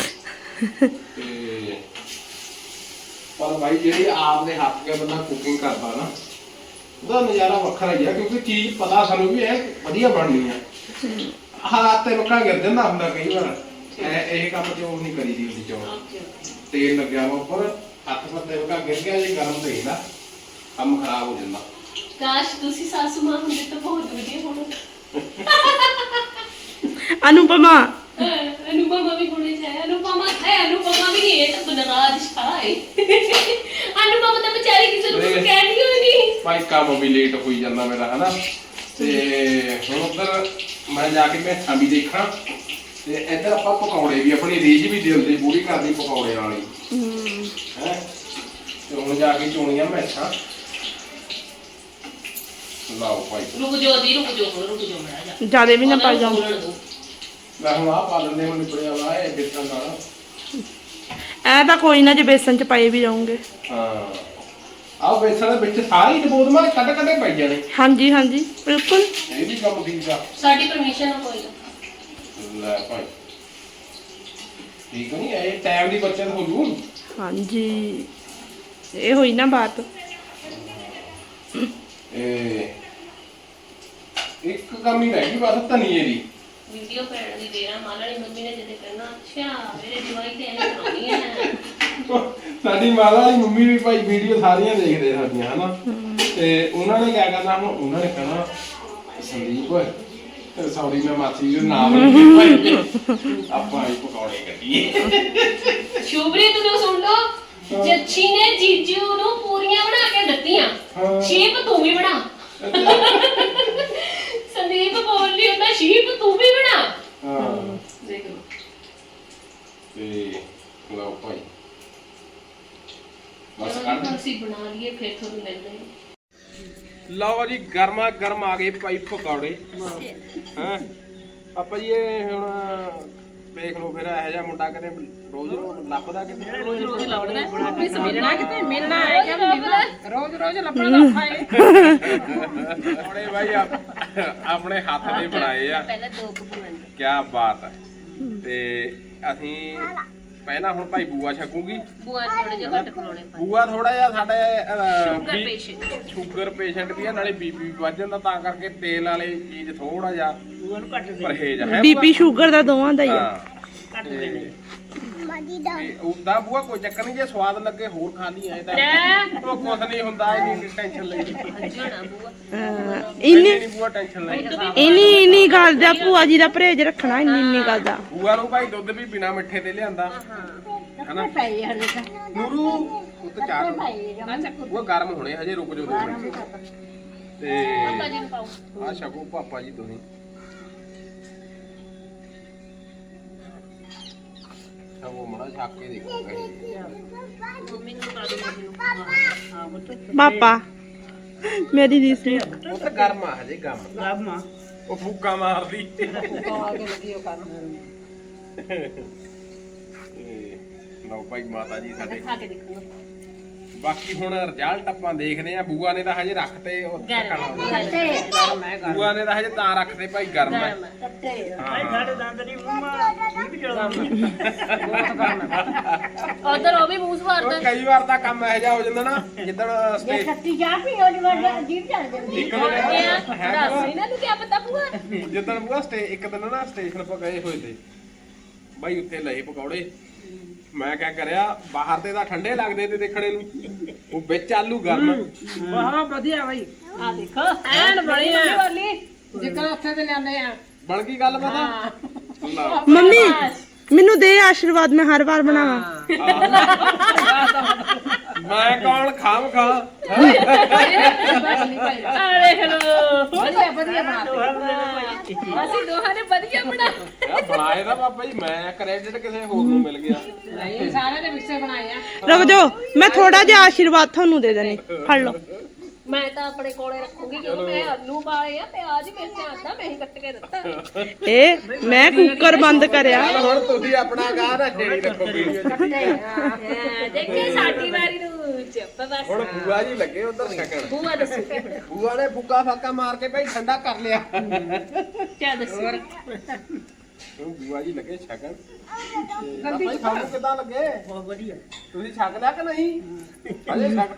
Speaker 3: ਤੇ ਪਰ ਭਾਈ ਜਿਹੜੀ ਆਪ ਦੇ ਹੱਥ ਕੇ ਬੰਦਾ ਕੁਕਿੰਗ ਕਰਦਾ ਨਾ, ਉਹਦਾ ਨਜ਼ਾਰਾ ਵੱਖਰਾ ਹੀ ਆ, ਕਿਉਂਕਿ ਚੀਜ਼ ਪਤਾ ਸਾਨੂੰ ਵੀ ਇਹ ਵਧੀਆ ਬਣਨੀ ਆ। ਹੱਥ ਤੇ ਮੱਖਾ ਗਿਰ ਜਾਂਦਾ ਹੁੰਦਾ ਕਈ ਵਾਰ। ਇਹ ਕੰਮ ਚੋਂ ਨਹੀਂ ਕਰੀਦੀ ਹੁੰਦੀ ਚੋਂ।
Speaker 1: ਓਕੇ
Speaker 3: ਤੇਲ ਲੱਗਿਆ ਵਾ ਉੱਪਰ, ਹੱਥ ਪਰ ਤੇ ਮੱਖਾ ਗਿਰ ਗਿਆ, ਜੇ ਗਰਮ ਤੇਲ ਆ ਕੰਮ ਖਰਾਬ ਹੋ ਜਾਂਦਾ।
Speaker 1: ਕਾਸ਼ ਤੁਸੀਂ ਸਾਸੂ ਮਾਂ ਹੁੰਦੇ ਤਾਂ ਬਹੁਤ ਵਧੀਆ ਹੋਣਾ।
Speaker 4: ਅਨੁਪਮਾ
Speaker 1: ਅਨੁਪਮਾ ਵੀ ਹੋਣੀ ਚਾਹੀਏ। ਅਨੁਪਮਾ ਵੀ ਇਹ ਤਾਂ ਬਨਰਾਜ ਸ਼ਾਹ ਹੈ। ਅਨੁਪਮਾ ਤਾਂ ਵਿਚਾਰੀ ਕਿਸੇ ਨੂੰ ਕੁਝ ਕਹਿਣੀ ਹੋਈ ਨਹੀਂ।
Speaker 3: ਭਾਈ ਕੰਮ ਵੀ ਲੇਟ ਹੋਈ ਜਾਂਦਾ ਮੇਰਾ, ਹਨਾ। ਤੇ ਹੁਣ ਉੱਧਰ ਮੈਂ ਜਾ ਕੇ ਮੈਥਾਂ ਵੀ ਦੇਖਾਂ, ਤੇ ਇੱਧਰ ਆਪਾਂ ਪਕੌੜੇ ਵੀ, ਆਪਣੀ ਰੀਝ ਵੀ ਦਿਲ ਦੀ ਪੂਰੀ ਕਰਦੀ ਪਕੌੜੇ ਵਾਲੀ ਹੈ। ਤੇ ਹੁਣ ਜਾ ਕੇ ਚੋਣੀਆਂ ਮੈਥਾਂ। ਲਾਓ ਭਾਈ
Speaker 1: ਰੁਕ ਜਾਓ ਦੀ ਰੁਕ ਜਾਓ ਮੜਾ ਜਾ।
Speaker 4: ਜਿਆਦੇ ਵੀ ਨਾ ਪਾ ਜਾਓ।
Speaker 3: ਮੈਂ ਹੁਣ ਆਹ ਪਾ ਲੈਂਦੇ ਹੁਣ ਨਿਬੜਿਆ ਵਾ ਇਹ ਬੇਸਣ ਨਾਲ।
Speaker 4: ਐ ਤਾਂ ਕੋਈ ਨਾ ਜੇ ਬੇਸਨ ਚ ਪਾਏ ਵੀ ਜਾਉਂਗੇ।
Speaker 3: ਹਾਂ ਆਹ ਬੇਸਣ ਦੇ ਵਿੱਚ ਸਾਰੀ ਡਬੋਦ ਮਾਰ ਕੱਢ ਕੱਢੇ ਪਈ ਜਾਣੇ।
Speaker 4: ਹਾਂਜੀ ਹਾਂਜੀ ਬਿਲਕੁਲ।
Speaker 3: ਇਹ ਵੀ ਕੰਮ ਠੀਕ ਆ।
Speaker 1: ਸਾਡੀ ਪਰਮਿਸ਼ਨ ਹੋਈ
Speaker 3: ਲੈ ਭਾਈ ਠੀਕ ਨਹੀਂ, ਇਹ ਟਾਈਮ ਦੀ ਬੱਚਤ ਹੋ ਜੂ।
Speaker 4: ਹਾਂਜੀ ਇਹ ਹੋਈ ਨਾ ਬਾਤ।
Speaker 3: ਇਹ ਇੱਕ ਕੰਮ ਹੀ ਰਹਿ ਗਈ ਬਸ, ਧਨੀਏ ਦੀ।
Speaker 1: ਵੀਡੀਓ ਪੈਣ ਦੀ ਦੇਰਾ ਮਾਲਣੀ ਮੰਮੀ ਨੇ ਜਦੇ ਕਹਿਣਾ ਅੱਛਾ ਮੇਰੇ ਜਵਾਈ ਤੇ ਐਵੇਂ ਬਣਾਉਣੀ ਹੈ।
Speaker 3: ਸਾਡੀ ਮਾਤਾ ਵਾਲੀ ਮੰਮੀ ਵੀ ਭਾਈ ਵੀਡੀਓ ਸਾਰੀਆਂ ਦੇਖਦੇ ਸਾਡੀਆਂ ਹਨਾ ਤੇ ਉਹਨਾਂ ਨੇ ਕਿਆ ਕਰਨਾ ਹੁਣ ਉਹਨਾਂ ਨੇ ਕਹਿਣਾ ਸੰਦੀਪ ਸੌਰੀ ਮੈਂ ਮਾਸੀ ਦੇ ਨਾਮ ਨਹੀਂ ਭਾਈ ਆਪਾਂ ਹੀ ਪਕੌੜੇ ਕੱਢੀਏ
Speaker 1: ਸ਼ੁਭਰੀਤ ਨੂੰ ਸੁਣ ਲਓ ਜੱਛੀ ਨੇ ਜੀਜੂ ਨੂੰ ਪੂਰੀਆਂ ਬਣਾ ਕੇ ਦਿੱਤੀਆਂ ਸ਼ੀਪ ਤੂੰ ਵੀ ਬਣਾ ਸੰਦੀਪ ਬੋਲ ਲਈ ਹੁੰਦਾ ਸ਼ੀਪ ਤੂੰ ਵੀ ਬਣਾ
Speaker 3: ਹਾਂ
Speaker 1: ਦੇਖ ਲਓ
Speaker 3: ਤੇ ਲਓ ਭਾਈ ਬਸ ਕੱਢ
Speaker 1: ਅਸੀਂ ਬਣਾ ਲਈਏ ਫਿਰ ਤੁਹਾਨੂੰ ਲੈਂਦੇ ਹਾਂ।
Speaker 3: ਲਓ ਜੀ ਗਰਮਾ ਗਰਮ ਆ ਗਏ ਭਾਈ ਪਕੌੜੇ ਹਾਂ ਆਪਾਂ ਜੀ ਇਹ ਹੁਣ ਵੇਖ ਲਓ ਫਿਰ ਇਹੋ ਜਿਹਾ ਮੁੰਡਾ ਕਦੇ ਰੋਜ਼ ਲੱਭਦਾ ਕਿਤੇ
Speaker 1: ਰੋਜ਼ ਲਾਉਣਾ
Speaker 2: ਮਿਲਣਾ ਕਿਤੇ ਮਿਲਣਾ ਹੈ ਕਿ ਰੋਜ਼ ਰੋਜ਼ ਲੱਭਣਾ ਤਾਂ ਔਖਾ ਹੈ
Speaker 3: ਪਕੌੜੇ ਭਾਈ ਆਪਣੇ ਹੱਥ ਦੇ ਬਣਾਏ ਆ
Speaker 1: ਪਹਿਲਾਂ ਦੋ ਕਪੂਰਨ
Speaker 3: ਕੀ ਬਾਤ ਹੈ ਤੇ ਅਸੀਂ ਪਹਿਲਾਂ ਹੁਣ ਭਾਈ ਬੂਆ ਛਕੂਗੀ
Speaker 1: ਬੂਆ ਥੋੜੇ ਜਿਹਾ ਘੱਟ ਬਣਾਉਣੇ ਪਾ
Speaker 3: ਬੂਆ ਥੋੜਾ ਜਿਹਾ ਸਾਡੇ
Speaker 1: ਸ਼ੂਗਰ ਪੇਸ਼ੈਂਟ
Speaker 3: ਸ਼ੂਗਰ ਪੇਸ਼ੈਂਟ ਵੀ ਆ ਨਾਲੇ ਬੀਪੀ ਵੀ ਵੱਧ ਜਾਂਦਾ ਤਾਂ ਕਰਕੇ ਤੇਲ ਵਾਲੀ ਚੀਜ਼ ਥੋੜਾ ਜਿਹਾ ਪਰਹੇਜ਼ ਹੈ
Speaker 4: ਬੀਪੀ ਸ਼ੂਗਰ ਦਾ ਦੋਵਾਂ ਦਾ ਹੀ ਆ
Speaker 3: ਹਾਂ ਉਦਾਂ ਬੂਆ ਕੋਈ ਚੱਕਰ ਨਹੀਂ ਜੇ ਸਵਾਦ ਲੱਗੇ ਹੋਰ ਖਾ ਲਈ ਐ ਤਾਂ ਉਹ ਕੁਛ ਨਹੀਂ ਹੁੰਦਾ ਇੰਨੀ ਟੈਨਸ਼ਨ ਲਈ
Speaker 1: ਜਣਾ ਬੂਆ
Speaker 4: ਇੰਨੀ
Speaker 3: ਨਹੀਂ ਬੂਆ ਟੈਨਸ਼ਨ ਲਈ
Speaker 4: ਇੰਨੀ ਗੱਲ ਦਾ ਭੂਆ ਜੀ ਦਾ ਪਰਹੇਜ ਰੱਖਣਾ ਇੰਨੀ ਗੱਲ ਦਾ
Speaker 3: ਬੂਆ ਨੂੰ ਭਾਈ ਦੁੱਧ ਵੀ ਬਿਨਾ ਮਿੱਠੇ ਤੇ ਲਿਆਂਦਾ ਹਨਾ
Speaker 5: ਪਈ ਹਲੇ ਤਾਂ
Speaker 3: ਨੂਰੂ ਉੱਤ ਚਾਰ ਉਹ ਗਰਮ ਹੋਣੇ ਹਜੇ ਰੁਕ ਜਾਓ 2 ਮਿੰਟ ਤੇ
Speaker 1: ਪਾਪਾ ਜੀ ਨੂੰ ਪਾਓ
Speaker 3: ਆ ਛਕੋ ਪਾਪਾ ਜੀ ਤੁਸੀਂ ਉਹ ਮੜਾ ਛੱਕ ਕੇ ਦੇਖੋ
Speaker 1: ਮੰਮੀ ਨੂੰ ਪਾ ਦੋ ਮੰਮੀ ਨੂੰ
Speaker 4: ਪਾਪਾ ਮੇਰੀ ਰੀਸੀ
Speaker 3: ਉਹ ਤਾਂ ਗਰਮ ਆ ਹਜੇ ਗਰਮ ਉਹ ਫੂਕਾ ਮਾਰਦੀ ਲਓ ਭਾਈ ਮਾਤਾ ਜੀ ਸਾਡੇ
Speaker 1: ਖਾ ਕੇ ਦੇਖੋ
Speaker 3: ਬਾਕੀ ਹੁਣ ਰਿਜ਼ਲਟ ਆਪਾਂ ਦੇਖਦੇ ਆ ਬੂਆ ਨੇ ਤਾਂ ਹਜੇ ਰੱਖਤੇ ਉਹ
Speaker 1: ਗਰਮ
Speaker 3: ਬੂਆ ਨੇ ਤਾਂ ਹਜੇ ਤਾਂ ਰੱਖਦੇ ਭਾਈ ਗਰਮ ਹੈ
Speaker 1: ਉਧਰ ਉਹ ਵੀ ਮੂੰਹ ਸਵਾਰਦਾ
Speaker 3: ਉਹ ਕਈ ਵਾਰ ਤਾਂ ਕੰਮ ਇਹੋ ਜਿਹਾ ਹੋ ਜਾਂਦਾ ਨਾ ਜਿੱਦਣ ਸਟੇਜ
Speaker 5: ਖੱਟੀ ਚਾਹ ਪੀ ਉਹਦੀ ਵਾਰ ਜੀਭ ਚੱਲ ਜਾਂਦੀ
Speaker 3: ਇੱਕ ਦਿਨ
Speaker 1: ਦੱਸ ਇਹਨਾਂ ਨੂੰ ਕੀ ਪਤਾ ਬੂਆ
Speaker 3: ਜਿੱਦਣ ਬੂਆ ਇੱਕ ਦਿਨ ਨਾ ਸਟੇਸ਼ਨ ਪਰ ਗਏ ਹੋਏ ਤੇ ਬਾਈ ਉੱਥੇ ਲਏ ਪਕੌੜੇ ਮੈਂ ਕਿਆ ਕਰਿਆ ਬਾਹਰ ਤੇ ਤਾਂ ਠੰਡੇ ਲੱਗਦੇ ਤੇ ਦੇਖਣੇ ਨੂੰ ਉਹ ਵਿੱਚ ਆਲੂ ਗਰਮ
Speaker 2: ਬਹੁਤ ਵਧੀਆ ਬਾਈ
Speaker 1: ਆ ਦੇਖੋ
Speaker 2: ਐਨ ਬਣੀ ਆ ਜਿੱਕਣ ਉੱਥੇ ਤੇ ਲਿਆਂਦੇ ਆ
Speaker 3: ਬਣ ਗਈ ਗੱਲ ਪਤਾ ਲਓ।
Speaker 4: ਮੰਮੀ ਮੈਨੂੰ ਦੇ ਆਸ਼ੀਰਵਾਦ ਮੈਂ ਹਰ ਵਾਰ ਬਣਾਵਾਂ
Speaker 3: ਮੈਂ ਕੌਣ ਖਾਮ ਖਾ
Speaker 1: ਆ ਦੇਖ ਲੋ
Speaker 2: ਵਧੀਆ ਵਧੀਆ ਬਣਾ
Speaker 1: ਅਸੀਂ ਦੋਹਾਂ ਨੇ ਵਧੀਆ ਬਣਾ
Speaker 3: ਬਣਾਏ ਦਾ ਬਾਬਾ ਜੀ ਮੈਂ ਕ੍ਰੈਡਿਟ ਕਿਸੇ ਹੋਰ ਨੂੰ ਮਿਲ ਗਿਆ
Speaker 2: ਨਹੀਂ ਸਾਰੇ ਦੇ ਵਿਸੇ ਬਣਾਏ ਆ
Speaker 4: ਰੁਕ ਜਾਓ ਮੈਂ ਥੋੜਾ ਜਿਹਾ ਆਸ਼ੀਰਵਾਦ ਤੁਹਾਨੂੰ ਦੇ ਦੇਣੀ ਫੜ ਲਓ
Speaker 1: ਮੈਂ ਤਾਂ ਆਪਣੇ ਕੋਲੇ ਰੱਖੂਗੀ ਕਿਉਂਕਿ ਮੈਂ ਆਲੂ ਪਾਏ ਆ ਪਿਆਜ਼ ਮਿਰਚਾਂ ਆਦਾ ਮੈਂ ਹੀ ਕੱਟ ਕੇ ਦਿੱਤਾ
Speaker 4: ਇਹ ਮੈਂ ਕੁੱਕਰ ਬੰਦ ਕਰਿਆ
Speaker 3: ਚੱਲ ਹੁਣ ਤੁਸੀਂ ਆਪਣਾ ਗਾਹ ਨਾ ਛੇੜੀ ਰੱਖੋ ਵੀਡੀਓ 'ਚ
Speaker 1: ਦੇਖੇ ਸਾਡੀ ਵਾਰੀ ਨੂੰ ਚੁੱਪ ਬਸ
Speaker 3: ਹੁਣ ਬੂਆ ਜੀ ਲੱਗੇ ਉਧਰ ਛਕਣ
Speaker 1: ਬੂਆ ਦੱਸੋ
Speaker 3: ਬੂਆ ਨੇ ਫੁੱਕਾ ਫਾਕਾ ਮਾਰ ਕੇ ਭਾਈ ਠੰਡਾ ਕਰ ਲਿਆ
Speaker 1: ਕਿਆ ਦੱਸੋ
Speaker 3: ਹੁਣ ਬੂਆ ਜੀ ਲੱਗੇ ਛਕਣ ਤੇ ਭਾਈ ਤੁਹਾਨੂੰ ਕਿਦਾਂ ਲੱਗੇ ਬਹੁਤ ਵਧੀਆ ਤੁਸੀਂ ਛਕ ਲਿਆ ਕਿ ਨਹੀਂ ਹਲੇ ਛਕ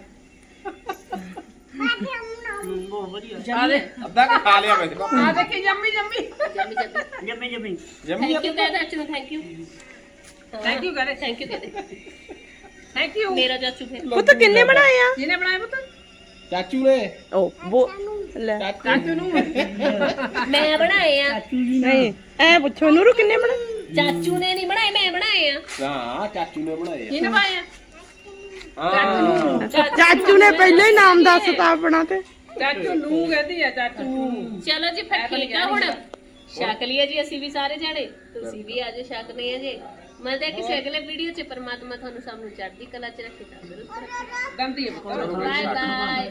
Speaker 3: ਅੱਧਾ ਕੁ ਖਾ ਲਿਆ ਵੈਸੇ
Speaker 2: ਆ ਦੇਖੀ ਜੰਮੀ ਜੰਮੀ
Speaker 3: ਜੰਮੀ
Speaker 1: ਥੈਂਕ ਯੂ ਕਹਿ ਦੇ ਅੱਛਾ ਥੈਂਕ ਯੂ
Speaker 2: ਥੈਂਕ ਯੂ ਕਰੇ
Speaker 1: ਥੈਂਕ ਯੂ ਕਹਿ ਦੇ
Speaker 2: ਥੈਂਕ ਯੂ
Speaker 1: ਮੇਰਾ ਚਾਚੂ ਫਿਰ
Speaker 4: ਪੁੱਤ ਕਿੰਨੇ ਬਣਾਏ ਆ
Speaker 2: ਜਿਹਨੇ ਬਣਾਏ ਪੁੱਤ
Speaker 3: ਚਾਚੂ ਨੇ
Speaker 4: ਓ ਉਹ ਲੈ
Speaker 2: ਚਾਚੂ ਨੂੰ
Speaker 1: ਮੈਂ ਬਣਾਏ ਆ
Speaker 4: ਨਹੀਂ ਐ ਪੁੱਛੋ ਨੂਰੂ ਕਿੰਨੇ ਬਣਾਏ
Speaker 1: ਚਾਚੂ ਨੇ ਨਹੀਂ ਬਣਾਏ ਮੈਂ ਬਣਾਏ ਆ
Speaker 3: ਹਾਂ ਚਾਚੂ ਨੇ ਬਣਾਏ
Speaker 2: ਜਿਹਨੇ ਪਾਏ ਆ
Speaker 3: ਹਾਂ
Speaker 4: ਚਾਚੂ ਨੇ ਪਹਿਲਾਂ ਹੀ ਨਾਮ ਦੱਸਤਾ ਆਪਣਾ ਤੇ
Speaker 2: ਚਾਚੂ ਨੂੰ ਕਹਿੰਦੀ ਆ ਚਾਚੂ
Speaker 1: ਚਲੋ ਜੀ ਫਿਰ ਠੀਕ ਆ ਹੁਣ ਛਕ ਲਿਆ ਜੀ ਅਸੀਂ ਵੀ ਸਾਰੇ ਜਾਣੇ ਤੁਸੀਂ ਵੀ ਆਜੋ ਛਕਨੇ ਆ ਜੀ ਮਿਲਦੇ ਕਿਸੇ ਅਗਲੇ ਵੀਡੀਓ 'ਚ ਪਰਮਾਤਮਾ ਤੁਹਾਨੂੰ ਸਭ ਨੂੰ ਚੜ੍ਹਦੀ ਕਲਾ 'ਚ ਰੱਖੇ ਤੰਦਰੁਸਤ ਰੱਖੇ
Speaker 2: ਗੰਦੀ ਹੈ
Speaker 1: ਬਾਏ ਬਾਏ